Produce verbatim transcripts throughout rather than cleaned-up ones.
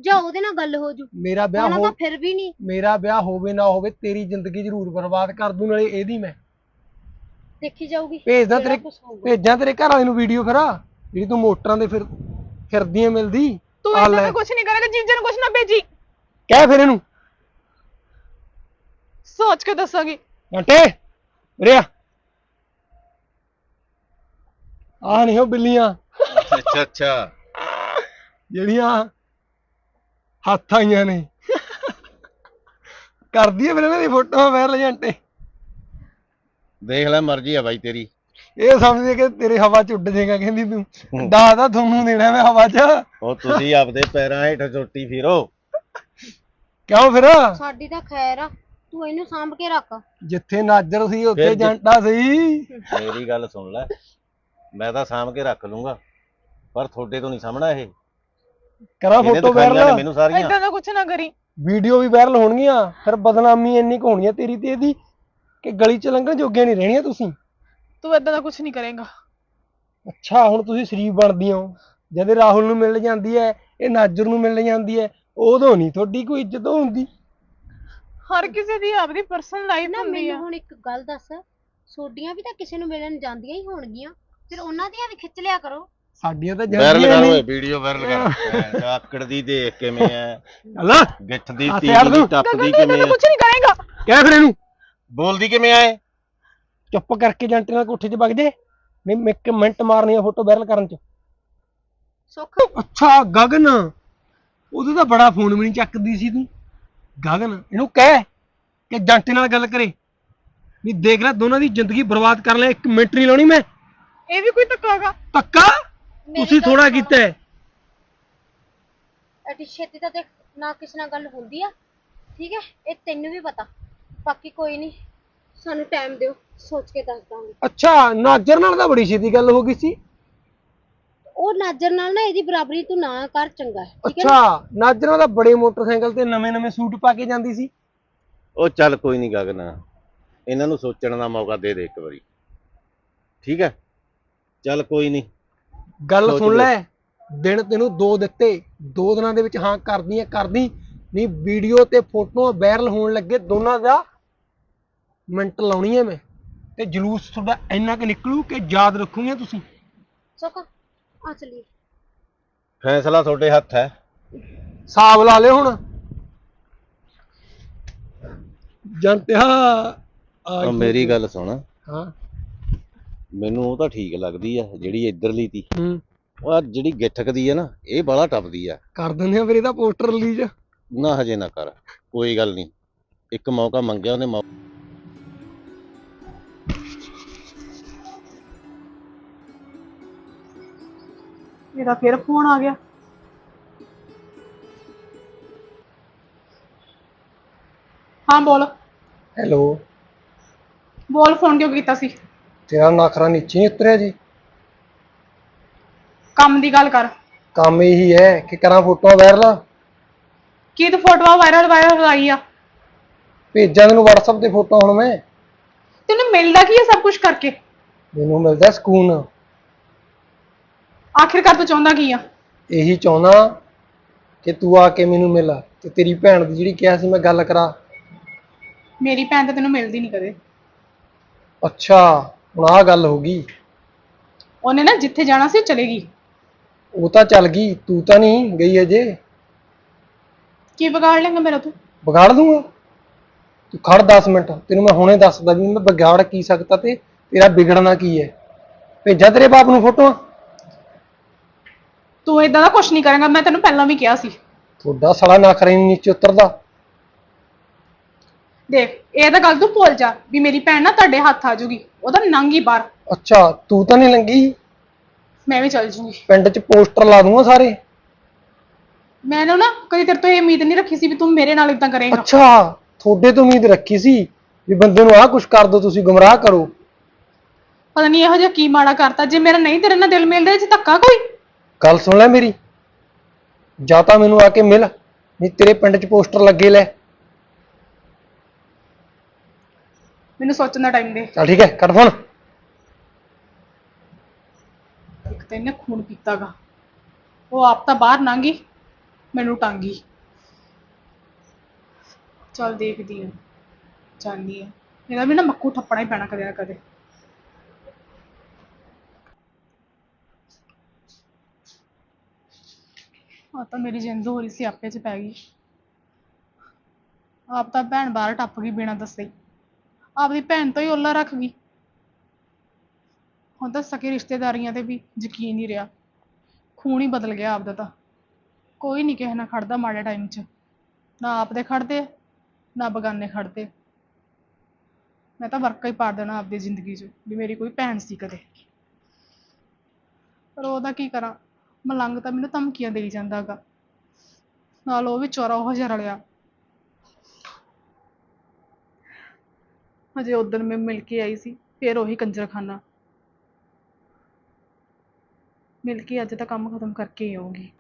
ਜਾਂ ਉਹਦੇ ਨਾਲ ਗੱਲ ਹੋ ਜੂ। ਮੇਰਾ ਵਿਆਹ ਹੋ ਤਾਂ ਫਿਰ ਵੀ ਨਹੀਂ। ਮੇਰਾ ਵਿਆਹ ਹੋਵੇ ਨਾ ਹੋਵੇ ਤੇਰੀ ਜ਼ਿੰਦਗੀ ਜ਼ਰੂਰ ਬਰਬਾਦ ਕਰ ਦੂੰ, ਨਾਲੇ ਇਹਦੀ ਮੈਂ ਦੇਖੀ ਜਾਊਗੀ। ਭੇਜਦਾ ਤੇਰੇ ਭੇਜਾਂ ਤੇਰੇ ਘਰ ਵਾਲੇ ਨੂੰ ਵੀਡੀਓ ਫਿਰ ਜਿਹੜੀ ਤੂੰ ਮੋਟਰਾਂ ਦੇ ਫਿਰ ਫਿਰਦੀਆਂ ਮਿਲਦੀ। ਤੂੰ ਇਹਨਾਂ ਦਾ ਕੁਝ ਨਹੀਂ ਕਰੇਗਾ, ਜੀਜੇ ਨੂੰ ਕੁਝ ਨਾ ਭੇਜੀ। ਕਹਿ ਫਿਰ ਇਹਨੂੰ, ਸੋਚ ਕੇ ਦੱਸਾਂਗੀ। ਘੰਟੇ ਰਿਆ ਆ ਨਹੀਂ ਉਹ ਬਿੱਲੀਆਂ ਅੱਛਾ ਅੱਛਾ ਜਿਹੜੀਆਂ ਹੱਥ ਆਈਆਂ ਨੇ ਕਰਦੀ ਆ ਫਿਰ ਇਹਨਾਂ ਦੀ ਫੋਟੋਆਂ ਵਾਇਰਲ ਘੰਟੇ। ਦੇਖ ਲੈ ਮਰਜ਼ੀ ਆ ਬਾਈ ਤੇਰੀ। ਇਹ ਸਮਝਦੇ ਕਿ ਤੇਰੇ ਹਵਾ ਚ ਉੱਡ ਜਾਏਗਾ, ਕਹਿੰਦੀ ਤੂੰ ਦਾਦਾ ਤੁਹਾਨੂੰ ਦੇਣਾ ਮੈਂ ਹਵਾ ਚ। ਉਹ ਤੁਸੀਂ ਆਪਦੇ ਪੈਰਾਂ ਹੇਠ ਚੋਟੀ ਫਿਰੋ। ਕਿਉਂ ਫਿਰ ਸਾਡੀ ਤਾਂ ਖੈਰ ਆ, ਤੂੰ ਇਹਨੂੰ ਸਾਂਭ ਕੇ ਰੱਖ। ਜਿੱਥੇ ਨਾਜਰ ਸੀ ਉੱਥੇ ਜੰਟਾ ਸੀ। ਮੇਰੀ ਗੱਲ ਸੁਣ ਲੈ, ਮੈਂ ਤਾਂ ਸਾਂਭ ਕੇ ਰੱਖ ਲੂੰਗਾ, ਪਰ ਤੁਹਾਡੇ ਤੋਂ ਨਹੀਂ ਸਾਹਮਣਾ ਇਹ। ਕਰਾਂ ਫੋਟੋ ਵਾਇਰਲ ਮੈਨੂੰ ਸਾਰੀਆਂ। ਇਦਾਂ ਦਾ ਕੁਝ ਨਾ ਕਰੀ। ਵੀਡੀਓ ਵੀ ਵਾਇਰਲ ਹੋਣਗੀਆਂ, ਫਿਰ ਬਦਨਾਮੀ ਇੰਨੀ ਕੁ ਹੋਣੀ ਆ ਤੇਰੀ ਤੇ ਇਹਦੀ ਕਿ ਗਲੀ ਚ ਲੰਘਣ ਜੋਗੀਆਂ ਨਹੀਂ ਰਹਿਣੀਆਂ ਤੁਸੀਂ। ਤੂੰ ਇਦਾਂ ਦਾ ਕੁਝ ਨਹੀਂ ਕਰੇਗਾ। ਅੱਛਾ ਹੁਣ ਤੁਸੀਂ ਸ਼ਰੀਫ ਬਣਦੀ ਹੋ, ਜਦ ਰਾਹੁਲ ਨੂੰ ਮਿਲ ਜਾਂਦੀ ਹੈ, ਇਹ ਨਾਜਰ ਨੂੰ ਮਿਲ ਜਾਂਦੀ ਹੈ, ਉਦੋਂ ਨਹੀਂ ਤੁਹਾਡੀ ਕੋਈ ਇੱਜ਼ਤ ਹੁੰਦੀ। ਹਰ ਕਿਸੇ ਦੀ ਆਪਦੀ ਪਰਸਨਲ ਲਾਈਫ ਨਾ ਹੁੰਦੀ ਆ। ਮੈਨੂੰ ਹੁਣ ਇੱਕ ਗੱਲ ਦੱਸ, ਸੋਡੀਆਂ ਵੀ ਤਾਂ ਕਿਸੇ ਨੂੰ ਮਿਲਣ ਜਾਂਦੀਆਂ ਹੀ ਹੋਣਗੀਆਂ, ਫਿਰ ਉਹਨਾਂ ਦੀਆਂ ਵੀ ਖਿੱਚ ਲਿਆ ਕਰੋ। ਸਾਡੀਆਂ ਤਾਂ ਵਾਇਰਲ ਜਾਂਦੀਆਂ ਕਰ ਓਏ, ਨਹੀਂ। ਵੀਡੀਓ ਵਾਇਰਲ ਕਰ। ਆਕੜ ਦੀ ਦੇਖ ਕਿਵੇਂ ਐ, ਅੱਲਾ ਗਿੱਠ ਦੀ ਹੱਥ ਤੀਲੀ ਯਾਰ ਤੂੰ। ਟੱਪਦੀ ਇਦਾਂ ਕਿਵੇਂ ਦਾ ਐ, ਕੁਝ ਨਹੀਂ ਕਰੇਗਾ। ਕਹਿ ਫਿਰ ਇਹਨੂੰ ਬੋਲਦੀ ਕਿਵੇਂ ਐ। ਚੁੱਪ ਕਰਕੇ ਜੰਟੇ ਨਾਲ ਕੋਠੇ 'ਚ ਵਗ ਜੇ, ਨਹੀਂ ਮੈਂ ਇੱਕ ਮਿੰਟ ਮਾਰਨੀ ਆ ਫੋਟੋ ਵਾਇਰਲ ਕਰਨ 'ਚ। ਸੁੱਖ ਅੱਛਾ ਗਗਨ, ਉਦੋਂ ਤਾਂ ਬੜਾ ਫੋਨ ਵੀ ਨਹੀਂ ਚੱਕਦੀ ਸੀ ਤੂੰ। ਗਗਨ ਇਹਨੂੰ ਕਹਿ ਕਿ ਜੰਟੇ ਨਾਲ ਗੱਲ ਕਰੇ, ਨਹੀਂ ਦੇਖ ਲੈ ਦੋਨਾਂ ਦੀ ਜ਼ਿੰਦਗੀ ਬਰਬਾਦ ਕਰ ਲੈ, ਇੱਕ ਮਿੰਟ ਨਹੀਂ ਲਾਉਣੀ ਮੈਂ। ਇਹ ਵੀ ਕੋਈ ਧੱਕਾ ਹੈਗਾ? ਪੱਕਾ ਤੁਸੀਂ ਥੋੜਾ ਕੀਤਾ ਹੈ। ਐਡੀ ਛੇਤੀ ਤਾਂ ਦੇਖ ਨਾ ਕਿਸੇ ਨਾਲ ਗੱਲ ਹੁੰਦੀ ਆ, ਠੀਕ ਹੈ, ਇਹ ਤੈਨੂੰ ਵੀ ਪਤਾ। ਬਾਕੀ ਕੋਈ ਨਹੀਂ, ਸਾਨੂੰ ਟਾਈਮ ਦਿਓ, ਸੋਚ ਕੇ ਦੱਸ ਦਾਂਗੇ। ਅੱਛਾ ਨਾਜਰ ਨਾਲ ਤਾਂ ਬੜੀ ਛੇਤੀ ਗੱਲ ਹੋ ਗਈ ਸੀ। ਉਹ ਨਾਜਰ ਨਾਲ ਨਾ ਇਹਦੀ ਬਰਾਬਰੀ ਤੂੰ ਨਾ ਕਰ, ਚੰਗਾ ਹੈ, ਠੀਕ ਹੈ ਨਾ? ਅੱਛਾ ਨਾਜਰ ਨਾਲ ਤਾਂ ਬੜੇ ਮੋਟਰਸਾਈਕਲ ਤੇ ਨਵੇਂ ਨਵੇਂ ਸੂਟ ਪਾ ਕੇ ਜਾਂਦੀ ਸੀ। ਉਹ ਚੱਲ ਕੋਈ ਨਹੀਂ ਗਗਨ, ਇਹਨਾਂ ਨੂੰ ਸੋਚਣ ਦਾ ਮੌਕਾ ਦੇ ਦੇ ਇੱਕ ਵਾਰੀ, ਠੀਕ ਹੈ? ਚੱਲ ਕੋਈ ਨਹੀਂ, ਗੱਲ ਸੁਣ ਲੈ, ਦਿਨ ਤੈਨੂੰ ਦੋ ਦਿੱਤੇ, ਦੋ ਦਿਨਾਂ ਦੇ ਵਿੱਚ ਹਾਂ ਕਰਦੀ ਹੈ ਕਰਦੀ, ਨਹੀਂ ਵੀਡੀਓ ਤੇ ਫੋਟੋਆਂ ਵਾਇਰਲ ਹੋਣ ਲੱਗੇ ਦੋਨਾਂ ਦਾ ਮਿੰਟ ਲਾਉਣੀ ਹੈ ਮੈਂ, ਤੇ ਜਲੂਸ ਤੁਹਾਡਾ ਇੰਨਾ ਕੁ ਨਿਕਲੂ ਕਿ ਯਾਦ ਰੱਖੂਗੇ ਤੁਸੀਂ। ਸੁੱਖ ਆ ਚਲੀਏ। ਫੈਸਲਾ ਤੁਹਾਡੇ ਹੱਥ ਹੈ। ਹਿਸਾਬ ਲਾ ਲਿਓ ਹੁਣ ਜੰਟਿਆ। ਉਹ ਮੇਰੀ ਗੱਲ ਸੁਣ, ਹਾਂ ਮੈਨੂੰ ਉਹ ਤਾਂ ਠੀਕ ਲੱਗਦੀ ਆ ਜਿਹੜੀ ਇੱਧਰਲੀ ਤੀ। ਹੂੰ ਉਹ ਆਹ ਜਿਹੜੀ ਗਿੱਠਕਦੀ ਆ ਨਾ, ਇਹ ਬਾਹਲਾ ਟੱਪਦੀ ਆ। ਕਰ ਦਿੰਦੇ ਆ ਫਿਰ ਇਹਦਾ ਪੋਸਟਰ ਰਿਲੀਜ਼। ਨਾ ਹਜੇ ਨਾ ਕਰ, ਕੋਈ ਗੱਲ ਨਹੀਂ, ਇੱਕ ਮੌਕਾ ਮੰਗਿਆ ਉਹਨੇ। ਮੌ- ਮੇਰਾ ਫਿਰ ਫੋਨ ਆ ਗਿਆ। ਹਾਂ ਬੋਲ। ਹੈਲੋ, ਬੋਲ, ਫੋਨ ਕਿਉਂ ਕੀਤਾ ਸੀ? ਤੇਰਾ ਨਖਰਾ ਨੀਚੇ ਨਹੀਂ ਉਤਰਿਆ ਜੀ? ਕੰਮ ਦੀ ਗੱਲ ਕਰ। ਕੰਮ ਇਹੀ ਹੈ ਕਿ ਕਰਾਂ ਫੋਟੋਆਂ ਵਾਇਰਲ। ਕੀ ਤੂੰ ਫੋਟੋਆਂ ਵਾਇਰਲ ਵਾਇਰਲ ਲਾਈ ਆ? ਭੇਜਾਂ ਤੈਨੂੰ WhatsApp ਤੇ ਫੋਟੋ ਹੁਣ ਮੈਂ। ਤੈਨੂੰ ਮਿਲਦਾ ਕੀ ਹੈ ਸਭ ਕੁਝ ਕਰਕੇ? ਮੈਨੂੰ ਮਿਲਦਾ ਸਕੂਨ। ਆਖਿਰਕਾਰ ਤੂੰ ਚਾਹੁੰਦਾ ਕੀ ਆ? ਇਹੀ ਚਾਹੁੰਦਾ ਕਿ ਤੂੰ ਆ ਕੇ ਮੈਨੂੰ ਮਿਲ, ਤੇ ਤੇਰੀ ਭੈਣ ਦੀ ਜਿਹੜੀ ਕਿਹਾ ਸੀ ਮੈਂ ਗੱਲ ਕਰਾ। ਮੇਰੀ ਭੈਣ ਤਾਂ ਤੈਨੂੰ ਮਿਲਦੀ ਨਹੀਂ ਕਦੇ। ਅੱਛਾ ਹੁਣ ਆਹ ਗੱਲ ਹੋ ਗਈ। ਉਹਨੇ ਨਾ ਜਿੱਥੇ ਜਾਣਾ ਸੀ ਚਲੇ ਗਈ। ਉਹ ਤਾਂ ਚੱਲ ਗਈ, ਤੂੰ ਤਾਂ ਨਹੀਂ ਗਈ ਅਜੇ। ਕੀ ਵਿਗਾੜ ਲੇਗਾ ਮੇਰਾ ਤੂੰ? ਵਿਗਾੜ ਦੂੰਗਾ, ਤੂੰ ਖੜ ਦਸ ਮਿੰਟ, ਤੈਨੂੰ ਮੈਂ ਹੁਣੇ ਦੱਸਦਾ ਵੀ ਮੈਂ ਵਿਗਾੜ ਕੀ ਸਕਦਾ ਤੇ ਤੇਰਾ ਵਿਗੜਨਾ ਕੀ ਹੈ। ਭੇਜਾਂ ਤੇਰੇ ਬਾਪ ਨੂੰ ਫੋਟੋਆਂ? ਤੂੰ ਏਦਾਂ ਦਾ ਕੁਝ ਨਹੀਂ ਕਰੇਗਾ, ਮੈਂ ਤੈਨੂੰ ਪਹਿਲਾਂ ਵੀ ਕਿਹਾ ਸੀ। ਤੁਹਾਡਾ ਸਾਲਾ ਨਖਰਾ ਨਹੀਂ ਨੀਚੇ ਉਤਰਦਾ। ਦੇਖ ਇਹ ਤਾਂ ਗੱਲ ਤੂੰ ਭੁੱਲ ਜਾ ਵੀ ਮੇਰੀ ਭੈਣ ਨਾ ਤੁਹਾਡੇ ਹੱਥ ਆ ਜੂਗੀ, ਉਹਦਾ ਨੰਗੀ ਬਾਹਰ। ਅੱਛਾ ਤੂੰ ਤਾਂ ਨਹੀਂ ਲੰਗੀ? ਮੈਂ ਵੀ ਚੱਲ ਜੂਗੀ। ਪਿੰਡ 'ਚ ਪੋਸਟਰ ਲਾ ਦੂੰਗਾ ਸਾਰੇ। ਮੈਨੂੰ ਨਾ ਕਦੀ ਤੇਰੇ ਤੋਂ ਇਹ ਉਮੀਦ ਨਹੀਂ ਰੱਖੀ ਸੀ ਵੀ ਤੂੰ ਮੇਰੇ ਨਾਲ ਇਦਾਂ ਕਰੇਗਾ। ਅੱਛਾ ਤੁਹਾਡੇ ਤੋਂ ਉਮੀਦ ਰੱਖੀ ਸੀ ਵੀ ਬੰਦੇ ਨੂੰ ਆਹ ਕੁਛ ਕਰ ਦੋ, ਤੁਸੀਂ ਗੁੰਮਰਾਹ ਕਰੋ। ਪਤਾ ਨਹੀਂ ਇਹੋ ਜਿਹਾ ਕੀ ਮਾੜਾ ਕਰਤਾ, ਜੇ ਮੇਰਾ ਨਹੀਂ ਤੇਰੇ ਨਾਲ ਦਿਲ ਮਿਲਦਾ ਇਹ 'ਚ ਧੱਕਾ ਕੋਈ? ਗੱਲ ਸੁਣ ਲੈ ਮੇਰੀ, ਜਾਂ ਤਾਂ ਮੈਨੂੰ ਆ ਕੇ ਮਿਲ, ਨਹੀਂ ਤੇਰੇ ਪਿੰਡ 'ਚ ਪੋਸਟਰ ਲੱਗੇ ਲੈ। ਮੈਨੂੰ ਸੋਚਣ ਦਾ ਟਾਈਮ ਦੇ। ਚੱਲ ਠੀਕ ਹੈ ਕੱਟ ਫੋਨ। ਇੱਕ ਤਾਂ ਇਹਨੇ ਖੂਨ ਪੀਤਾਗਾ, ਉਹ ਆਪ ਤਾਂ ਬਾਹਰ ਲੰਘ ਗਈ, ਮੈਨੂੰ ਟਾਂਗੀ। ਚੱਲ ਦੇਖਦੀ ਆ, ਜਾਂਦੀ ਆ, ਇਹਦਾ ਵੀ ਨਾ ਮੱਕੂ ਠੱਪਣਾ ਹੀ ਪੈਣਾ ਕਦੇ ਨਾ ਕਦੇ। ਆ ਤਾਂ ਮੇਰੀ ਜਿੰਦ ਹੋ ਰਹੀ ਸੀ ਆਪੇ ਚ ਪੈ ਗਈ। ਆਪ ਤਾਂ ਭੈਣ ਬਾਹਰ ਟੱਪ ਗਈ ਬਿਨਾਂ ਦੱਸੇ ਹੀ, ਆਪਦੀ ਭੈਣ ਤੋਂ ਹੀ ਓਲਾ ਰੱਖ ਗਈ। ਹੁਣ ਤਾਂ ਸਕੇ ਰਿਸ਼ਤੇਦਾਰੀਆਂ ਤੇ ਵੀ ਯਕੀਨ ਨਹੀਂ ਰਿਹਾ, ਖੂਨ ਹੀ ਬਦਲ ਗਿਆ ਆਪਦਾ ਤਾਂ। ਕੋਈ ਨਹੀਂ ਕਿਸੇ ਨਾਲ ਖੜਦਾ ਮਾੜੇ ਟਾਈਮ 'ਚ, ਨਾ ਆਪਦੇ ਖੜਦੇ ਨਾ ਬਗਾਨੇ ਖੜਦੇ। ਮੈਂ ਤਾਂ ਵਰਕਾ ਹੀ ਪਾੜ ਦੇਣਾ ਆਪਦੀ ਜ਼ਿੰਦਗੀ 'ਚ ਵੀ ਮੇਰੀ ਕੋਈ ਭੈਣ ਸੀ ਕਦੇ। ਪਰ ਉਹਦਾ ਕੀ ਕਰਾਂ, ਮਲੰਗ ਤਾਂ ਮੈਨੂੰ ਧਮਕੀਆਂ ਦੇਈ ਜਾਂਦਾ ਗਾ, ਨਾਲ ਉਹ ਵੀ ਚੋਰਾ ਉਹ ਜਿਹਾ ਰਲਿਆ। ਹਜੇ ਉਦਣ ਮੈਂ ਮਿਲ ਕੇ ਆਈ ਸੀ, ਫਿਰ ਉਹੀ ਕੰਜਰਖਾਨਾ। ਮਿਲ ਕੇ ਅੱਜ ਤਾਂ ਕੰਮ ਖਤਮ ਕਰਕੇ ਹੀ ਆਊਂਗੀ।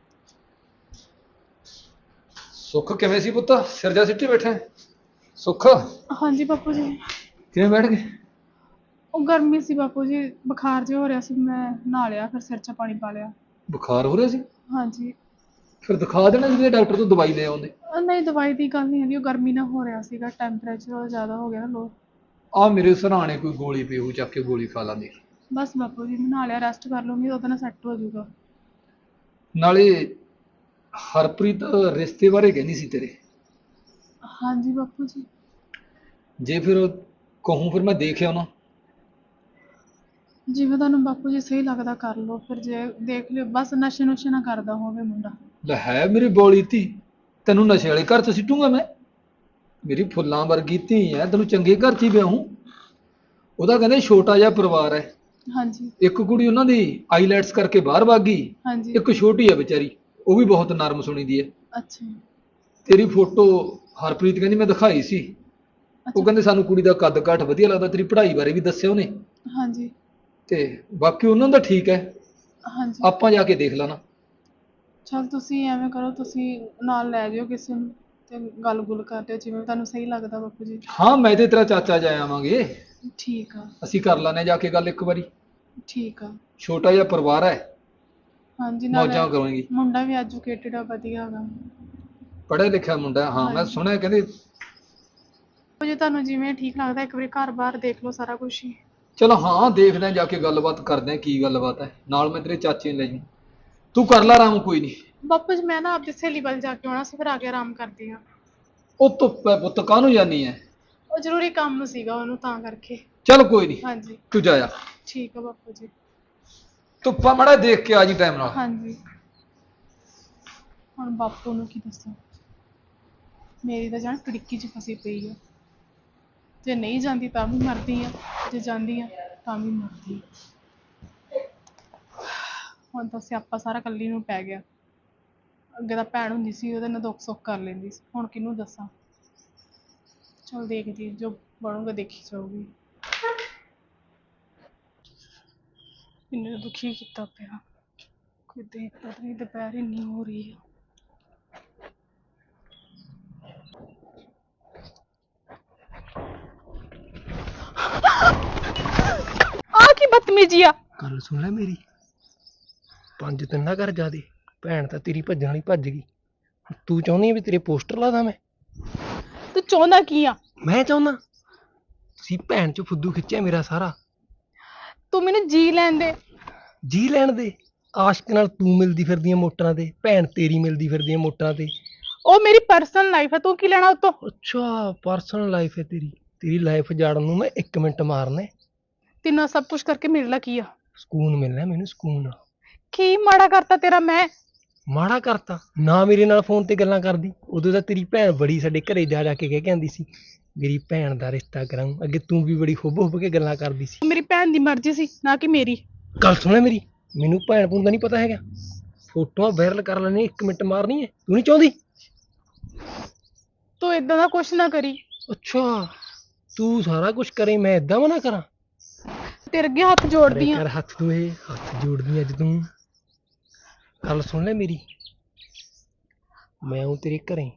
ਸੁੱਖ ਕਿਵੇਂ ਸੀ ਪੁੱਤ? ਸਿਰ ਜਾ ਸਿੱਟੀ ਬੈਠਾ ਹੈ? ਸੁੱਖ ਹਾਂਜੀ ਬਾਪੂ ਜੀ। ਕਿਵੇਂ ਬੈਠ ਗਏ? ਉਹ ਗਰਮੀ ਸੀ ਬਾਪੂ ਜੀ, ਬੁਖਾਰ ਜਿਹਾ ਹੋ ਰਿਹਾ ਸੀ, ਮੈਂ ਨਹਾ ਲਿਆ, ਫਿਰ ਸਿਰ 'ਚ ਪਾਣੀ ਪਾ ਲਿਆ। ਬੁਖਾਰ ਹੋ ਰਿਹਾ ਸੀ? ਹਾਂਜੀ। ਫਿਰ ਦਿਖਾ ਦੇਣਾ ਸੀ ਡਾਕਟਰ ਤੋਂ, ਦਵਾਈ ਲੈ ਆਉਂਦੇ। ਅਹ ਨਹੀਂ ਦਵਾਈ ਦੀ ਗੱਲ ਨਹੀਂ ਹੈਗੀ, ਉਹ ਗਰਮੀ ਨਾਲ ਹੋ ਰਿਹਾ ਸੀਗਾ, ਟੈਂਪਰੇਚਰ ਜ਼ਿਆਦਾ ਹੋ ਗਿਆ ਨਾ ਲੋ। ਆ ਮੇਰੇ ਸਰਾਣੇ ਕੋਈ ਗੋਲੀ ਪਈ ਹੋਊ, ਚੱਕ ਕੇ ਗੋਲੀ ਖਾ ਲਾਂਗੇ। ਬਸ ਬਾਪੂ ਜੀ ਮੈਂ ਨਹਾ ਲਿਆ, ਰੈਸਟ ਕਰ ਲੂੰਗੀ, ਉਹਦੇ ਨਾਲ ਸੈੱਟ ਹੋ ਜਾਊਗਾ। ਨਾਲੇ ਹਰਪ੍ਰੀਤ ਰਿਸ਼ਤੇ ਬਾਰੇ ਕਹਿੰਦੀ ਸੀ ਤੇਰੇ। ਹਾਂਜੀ ਬਾਪੂ ਜੀ। ਜੇ ਫਿਰ ਕਹੂੰ ਫਿਰ ਮੈਂ ਦੇਖ ਆਉਣਾ। ਜਿਵੇਂ ਤੁਹਾਨੂੰ ਬਾਪੂ ਜੀ ਸਹੀ ਲੱਗਦਾ ਕਰ ਲਓ, ਫਿਰ ਜੇ ਦੇਖ ਲਿਓ, ਬਸ ਨਸ਼ੇ ਨੁਸ਼ੇ ਨਾ ਕਰਦਾ ਹੋਵੇ ਮੁੰਡਾ। ਲੈ ਹੈ ਮੇਰੀ ਬੋਲੀ ਧੀ, ਤੈਨੂੰ ਨਸ਼ੇ ਵਾਲੇ ਘਰ 'ਚ ਸਿੱਟੂਗਾ ਮੈਂ? ਮੇਰੀ ਫੁੱਲਾਂ ਵਰਗੀ ਧੀ ਹੈ, ਤੈਨੂੰ ਚੰਗੇ ਘਰ 'ਚ ਹੀ ਵਿਆਹੂੰ। ਉਹਦਾ ਕਹਿੰਦੇ ਛੋਟਾ ਜਿਹਾ ਪਰਿਵਾਰ ਹੈ। ਹਾਂਜੀ ਇੱਕ ਕੁੜੀ ਉਹਨਾਂ ਦੀ ਆਈਲੈਟਸ ਕਰਕੇ ਬਾਹਰ ਭੱਗ ਗਈ, ਹਾਂਜੀ। ਇੱਕ ਛੋਟੀ ਹੈ ਵਿਚਾਰੀ, ਉਹ ਵੀ ਬਹੁਤ ਨਰਮ ਸੁਣੀ ਦੀ ਹੈ। ਅੱਛਾ ਤੇਰੀ ਫੋਟੋ ਹਰਪ੍ਰੀਤ ਕਹਿੰਦੀ ਮੈਂ ਦਿਖਾਈ ਸੀ, ਉਹ ਅੱਛਾ। ਕਹਿੰਦੇ ਸਾਨੂੰ ਕੁੜੀ ਦਾ ਕੱਦ ਕਾਠ ਵਧੀਆ ਲੱਗਦਾ, ਤੇਰੀ ਪੜ੍ਹਾਈ ਬਾਰੇ ਵੀ ਦੱਸਿਆ ਉਹਨੇ। ਹਾਂਜੀ ਤੇ ਬਾਕੀ ਉਹਨਾਂ ਦਾ ਠੀਕ ਹੈ, ਹਾਂਜੀ। ਆਪਾਂ ਜਾ ਕੇ ਦੇਖ ਲੈਣਾ। ਚਲ ਤੁਸੀਂ ਐਵੇਂ ਕਰੋ, ਤੁਸੀਂ ਨਾਲ ਲੈ ਜਾਇਓ ਕਿਸੇ ਨੂੰ ਤੇ ਗੱਲ ਗੁੱਲ ਕਰ ਲਿਓ, ਜਿਵੇਂ ਤੁਹਾਨੂੰ ਸਹੀ ਲੱਗਦਾ ਬਾਪੂ ਜੀ। ਹਾਂ ਮੈਂ ਤੇ ਤੇਰਾ ਚਾਚਾ ਜਾ ਆਵਾਂਗੇ, ਠੀਕ ਆ। ਅਸੀਂ ਕਰ ਲੈਣੇ ਜਾ ਕੇ ਗੱਲ ਇੱਕ ਵਾਰੀ। ਠੀਕ ਆ। ਛੋਟਾ ਜਿਹਾ ਪਰਿਵਾਰ ਹੈ, ਹਾਂਜੀ ਨਾਲੇ ਮੌਜਾਂ ਕਰਾਂਗੇ। ਮੁੰਡਾ ਵੀ ਐਜੂਕੇਟਡ ਆ, ਵਧੀਆ ਹੈਗਾ। ਪੜ੍ਹਿਆ ਲਿਖਿਆ ਮੁੰਡਾ, ਹਾਂ ਮੈਂ ਹਾਂਜੀ। ਸੁਣਿਆ ਕਹਿੰਦੇ। ਜੇ ਤੁਹਾਨੂੰ ਜਿਵੇਂ ਠੀਕ ਲੱਗਦਾ, ਇੱਕ ਵਾਰੀ ਘਰ ਬਾਹਰ ਦੇਖ ਲਓ ਸਾਰਾ ਕੁਝ ਹੀ। ਚਲੋ ਹਾਂ ਦੇਖਦੇ ਹਾਂ, ਜਾ ਕੇ ਗੱਲਬਾਤ ਕਰਦੇ ਹਾਂ ਕੀ ਗੱਲਬਾਤ ਹੈ, ਨਾਲ ਮੈਂ ਤੇਰੇ ਚਾਚੇ ਨੂੰ ਲੈ ਜੂ। ਤੂੰ ਕਰ ਲੈ ਆਰਾਮ, ਕੋਈ ਨਹੀਂ। ਬਾਪੂ ਜੀ ਮੈਂ ਨਾ ਆਪਦੀ ਸਹੇਲੀ ਵੱਲ ਜਾ ਕੇ ਆਉਣਾ ਸੀ, ਫਿਰ ਆ ਕੇ ਆਰਾਮ ਕਰਦੀ ਹਾਂ। ਉਹ ਧੁੱਪ ਹੈ ਪੁੱਤ, ਕਾਹਨੂੰ ਜਾਨੀ ਹੈ? ਉਹ ਜ਼ਰੂਰੀ ਕੰਮ ਸੀਗਾ ਉਹਨੂੰ, ਤਾਂ ਕਰਕੇ। ਚੱਲ ਕੋਈ ਨਹੀਂ, ਹਾਂਜੀ ਤੂੰ ਜਾਇਆ। ਠੀਕ ਆ ਬਾਪੂ ਜੀ। ਧੁੱਪਾ ਮਾੜਾ ਦੇਖ ਕੇ ਆ ਜੀ ਟਾਈਮ ਨਾਲ। ਹਾਂਜੀ। ਹੁਣ ਬਾਪੂ ਨੂੰ ਕੀ ਦੱਸਾਂ, ਮੇਰੀ ਤਾਂ ਜਾਨ ਕੜਿੱਕੀ 'ਚ ਫਸੀ ਪਈ ਆ। ਜੇ ਨਹੀਂ ਜਾਂਦੀ ਤਾਂ ਵੀ ਮਰਦੀ ਆ, ਜੇ ਜਾਂਦੀ ਆ ਤਾਂ ਵੀ ਮਰਦੀ ਆ। ਹੁਣ ਤਾਂ ਸਿਆਪਾ ਸਾਰਾ ਇਕੱਲੀ ਨੂੰ ਪੈ ਗਿਆ। ਅੱਗੇ ਤਾਂ ਭੈਣ ਹੁੰਦੀ ਸੀ, ਉਹਦੇ ਨਾਲ ਦੁੱਖ ਸੁੱਖ ਕਰ ਲੈਂਦੀ ਸੀ, ਹੁਣ ਕਿਹਨੂੰ ਦੱਸਾਂ। ਚਲ ਦੇਖਦੀ, ਜੋ ਬਣੂਗਾ ਦੇਖੀ ਜਾਊਗੀ। ਇੰਨੇ ਦੁਖੀ ਕੀਤਾ ਪਿਆ, ਕੋਈ ਦੇਖਦਾ ਤਾਂ ਨਹੀਂ, ਦੁਪਹਿਰ ਇੰਨੀ ਹੋ ਰਹੀ ਆ। ਆ ਕੀ ਬਦਤਮੀਜੀ ਆ? ਗੱਲ ਸੁਣ ਲੈ ਮੇਰੀ, ਪੰਜ ਦਿਨ ਨਾ ਕਰ ਜਾਦੇ, ਭੈਣ ਤਾਂ ਤੇਰੀ ਭੱਜਣ ਵਾਲੀ ਭੱਜ ਗਈ। ਤੂੰ ਚਾਹੁੰਦੀ ਆ ਵੀ ਤੇਰੇ ਪੋਸਟਰ ਲਾ ਦਾਂ ਮੈਂ? ਤੂੰ ਚਾਹੁੰਦਾ ਕੀ ਆ? ਮੈਂ ਚਾਹੁੰਦਾ ਤੁਸੀਂ ਭੈਣ ਚ ਫੁੱਦੂ ਖਿੱਚਿਆ ਮੇਰਾ ਸਾਰਾ। ਤੂੰ ਮੈਨੂੰ ਜੀ ਲੈਣ ਦੇ। ਜੀ ਲੈਣ ਦੇ? ਆਸ਼ਕ ਨਾਲ ਤੂੰ ਮਿਲਦੀ ਫਿਰਦੀਆਂ ਮੋਟਰਾਂ ਤੇ, ਭੈਣ ਤੇਰੀ ਮਿਲਦੀ ਫਿਰਦੀਆਂ ਮੋਟਰਾਂ ਤੇ। ਉਹ ਮੇਰੀ ਪਰਸਨਲ ਲਾਈਫ ਹੈ, ਤੂੰ ਕੀ ਲੈਣਾ ਉਤੋਂ? ਅੱਛਾ ਪਰਸਨਲ ਲਾਈਫ ਹੈ ਤੇਰੀ, ਤੇਰੀ ਲਾਈਫ ਜਾੜਨ ਨੂੰ ਮੈਂ ਇੱਕ ਮਿੰਟ ਮਾਰਨਾ। ਤੈਨੂੰ ਸਭ ਕੁਝ ਕਰਕੇ ਮਿਲਣਾ ਕੀ ਆ? ਸਕੂਨ ਮਿਲਣਾ ਮੈਨੂੰ, ਸਕੂਨ। ਕੀ ਮਾੜਾ ਕਰਤਾ ਤੇਰਾ ਮੈਂ? ਮਾੜਾ ਕਰਤਾ ਨਾ, ਮੇਰੇ ਨਾਲ ਫੋਨ ਤੇ ਗੱਲਾਂ ਕਰਦੀ। ਉਦੋਂ ਤਾਂ ਤੇਰੀ ਭੈਣ ਬੜੀ ਸਾਡੇ ਘਰੇ ਜਾ ਜਾ ਕੇ ਕਹਿ ਕੇ ਆਂਦੀ ਸੀ ਮੇਰੀ ਭੈਣ ਦਾ ਰਿਸ਼ਤਾ ਕਰਾਊਂ। ਅੱਗੇ ਤੂੰ ਵੀ ਬੜੀ ਹੁੱਬ ਹੁੱਬ ਕੇ ਗੱਲਾਂ ਕਰਦੀ ਸੀ। ਮੇਰੀ ਭੈਣ ਦੀ ਮਰਜ਼ੀ ਸੀ, ਨਾ ਕਿ ਮੇਰੀ। ਗੱਲ ਸੁਣ ਲੈ ਮੇਰੀ, ਮੈਨੂੰ ਭੈਣ ਭੂਣ ਦਾ ਨਹੀਂ ਪਤਾ ਹੈਗਾ। ਫੋਟੋਆਂ ਵਾਇਰਲ ਕਰ ਲੈਣੀ, ਇੱਕ ਮਿੰਟ ਮਾਰਨੀ ਹੈ, ਤੂੰ ਨਹੀਂ ਚਾਹੁੰਦੀ? ਤੂੰ ਏਦਾਂ ਦਾ ਕੁਛ ਨਾ ਕਰੀ। ਅੱਛਾ ਤੂੰ ਸਾਰਾ ਕੁਝ ਕਰੇ, ਮੈਂ ਏਦਾਂ ਮਨਾ ਕਰਾਂ? ਤੇਰੇ ਅੱਗੇ ਹੱਥ ਜੋੜਦੀ ਕਰ ਆ। ਹੱਥ ਤੂੰ, ਇਹ ਹੱਥ ਜੋੜਦੀ ਅੱਜ ਤੂੰ। ਗੱਲ ਸੁਣ ਲੈ ਮੇਰੀ, ਮੈਂ ਆਊਂ ਤੇਰੇ ਘਰੇ।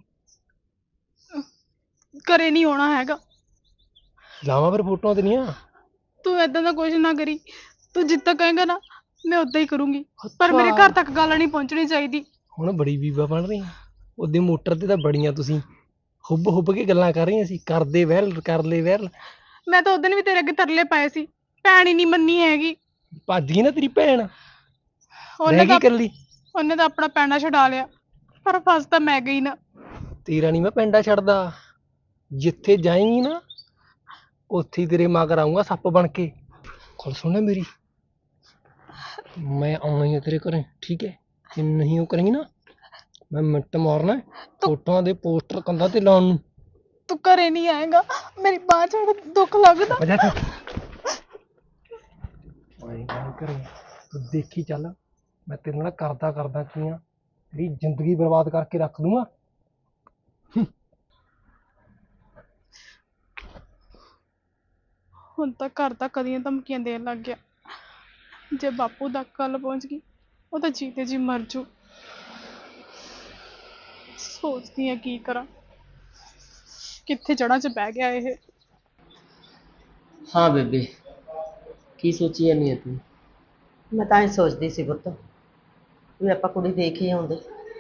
ਘਰੇ ਨਹੀਂ ਆਉਣਾ ਹੈਗਾ। ਲਾਵਾਂ ਫਿਰ ਫੋਟੋਆਂ ਤੇਰੀਆਂ। ਤੂੰ ਏਦਾਂ ਦਾ ਕੁਛ ਨਾ ਕਰੀ, ਤੂੰ ਜਿੱਦਾਂ ਕਹੇਂਗਾ ਨਾ ਮੈਂ ਉਦਾਂ ਹੀ ਕਰੂੰਗੀ, ਪਰ ਮੇਰੇ ਘਰ ਤੱਕ ਗੱਲ ਨਹੀਂ ਪਹੁੰਚਣੀ ਚਾਹੀਦੀ। ਹੁਣ ਬੜੀ ਬੀਬਾ ਬਣ ਰਹੀ। ਉਹਦੀ ਮੋਟਰ ਤੇ ਤਾਂ ਬੜੀਆਂ ਤੁਸੀਂ ਹੁੱਬ ਹੁੱਬ ਕੇ ਗੱਲਾਂ ਕਰ ਰਹੀਆਂ ਸੀ, ਕਰਦੇ ਵੈਲ ਕਰ ਲੈ ਵੈਲ। ਮੈਂ ਤਾਂ ਉਦੋਂ ਵੀ ਤੇਰੇ ਅੱਗੇ ਤਰਲੇ ਪਾਏ ਸੀ, ਭੈਣ ਹੀ ਨਹੀਂ ਮੰਨੀ ਹੈਗੀ। ਭੱਜ ਗਈ ਨਾ ਤੇਰੀ ਭੈਣ, ਉਹਨੇ ਰਹਿ ਗਈ ਤਾਂ ਇਕੱਲੀ। ਉਹਨੇ ਤਾਂ ਆਪਣਾ ਪੈਣਾ ਛਡਾ ਲਿਆ, ਪਰ ਫਸ ਤਾਂ ਮੈਂ ਗਈ ਨਾ। ਤੇਰਾ ਨਹੀਂ ਮੈਂ ਪਿੰਡਾ ਛੱਡਦਾ, ਜਿੱਥੇ ਜਾਏਂਗੀ ਨਾ ਉੱਥੇ ਹੀ ਤੇਰੇ ਮਗਰ ਆਊਂਗਾ ਸੱਪ ਬਣ ਕੇ। ਗੱਲ ਸੁਣ ਲੈ ਮੇਰੀ, ਮੈਂ ਆਉਣਾ ਹੀ ਆ ਤੇਰੇ ਘਰੇ, ਠੀਕ ਹੈ? ਜੇ ਨਹੀਂ ਉਹ ਕਰੇਂਗੀ ਨਾ ਮੈਂ ਮਿੰਟ ਮਾਰਨਾ ਫੋਟੋਆਂ ਦੇ ਪੋਸਟਰ ਕੰਧਾਂ ਤੇ ਲਾਉਣ ਨੂੰ। ਤੂੰ ਘਰੇ ਨਹੀਂ ਆਏਗਾ, ਮੇਰੀ ਬਾਂਹ ਛੱਡ, ਦੁੱਖ ਲੱਗਦਾ। ਵਜਾ ਤੂੰ ਓਏ ਗੱਲ ਕਰੇ, ਤੂੰ ਦੇਖੀ ਚੱਲ ਮੈਂ ਤੇਰੇ ਨਾਲ ਕਰਦਾ ਕਰਦਾ ਕੀ ਆ, ਤੇਰੀ ਜ਼ਿੰਦਗੀ ਬਰਬਾਦ ਕਰਕੇ ਰੱਖ ਦੂੰਗਾ। ਹੁਣ ਤਾਂ ਘਰ ਤਾਂ ਕਦੀਆਂ ਧਮਕੀਆਂ ਦੇਣ ਲੱਗ ਗਿਆ, ਜੇ ਬਾਪੂ ਤੱਕ ਗੱਲ ਪਹੁੰਚ ਗਈ ਉਹ ਤਾਂ ਜੀਤੇ ਜੀ ਮਰ ਜੂ। ਸੋਚਦੀ ਆ ਕੀ ਕਰਾਂ, ਕਿੱਥੇ ਜੜ੍ਹਾਂ 'ਚ ਬਹਿ ਗਿਆ ਇਹ। ਹਾਂ ਬੇਬੇ, ਕੀ ਸੋਚੀ ਜਾਂਦੀ ਹੈ ਤੂੰ? ਮੈਂ ਤਾਂ ਇਹ ਸੋਚਦੀ ਸੀ ਪੁੱਤ ਵੀ ਆਪਾਂ ਕੁੜੀ ਦੇਖ ਹੀ ਆਉਂਦੇ।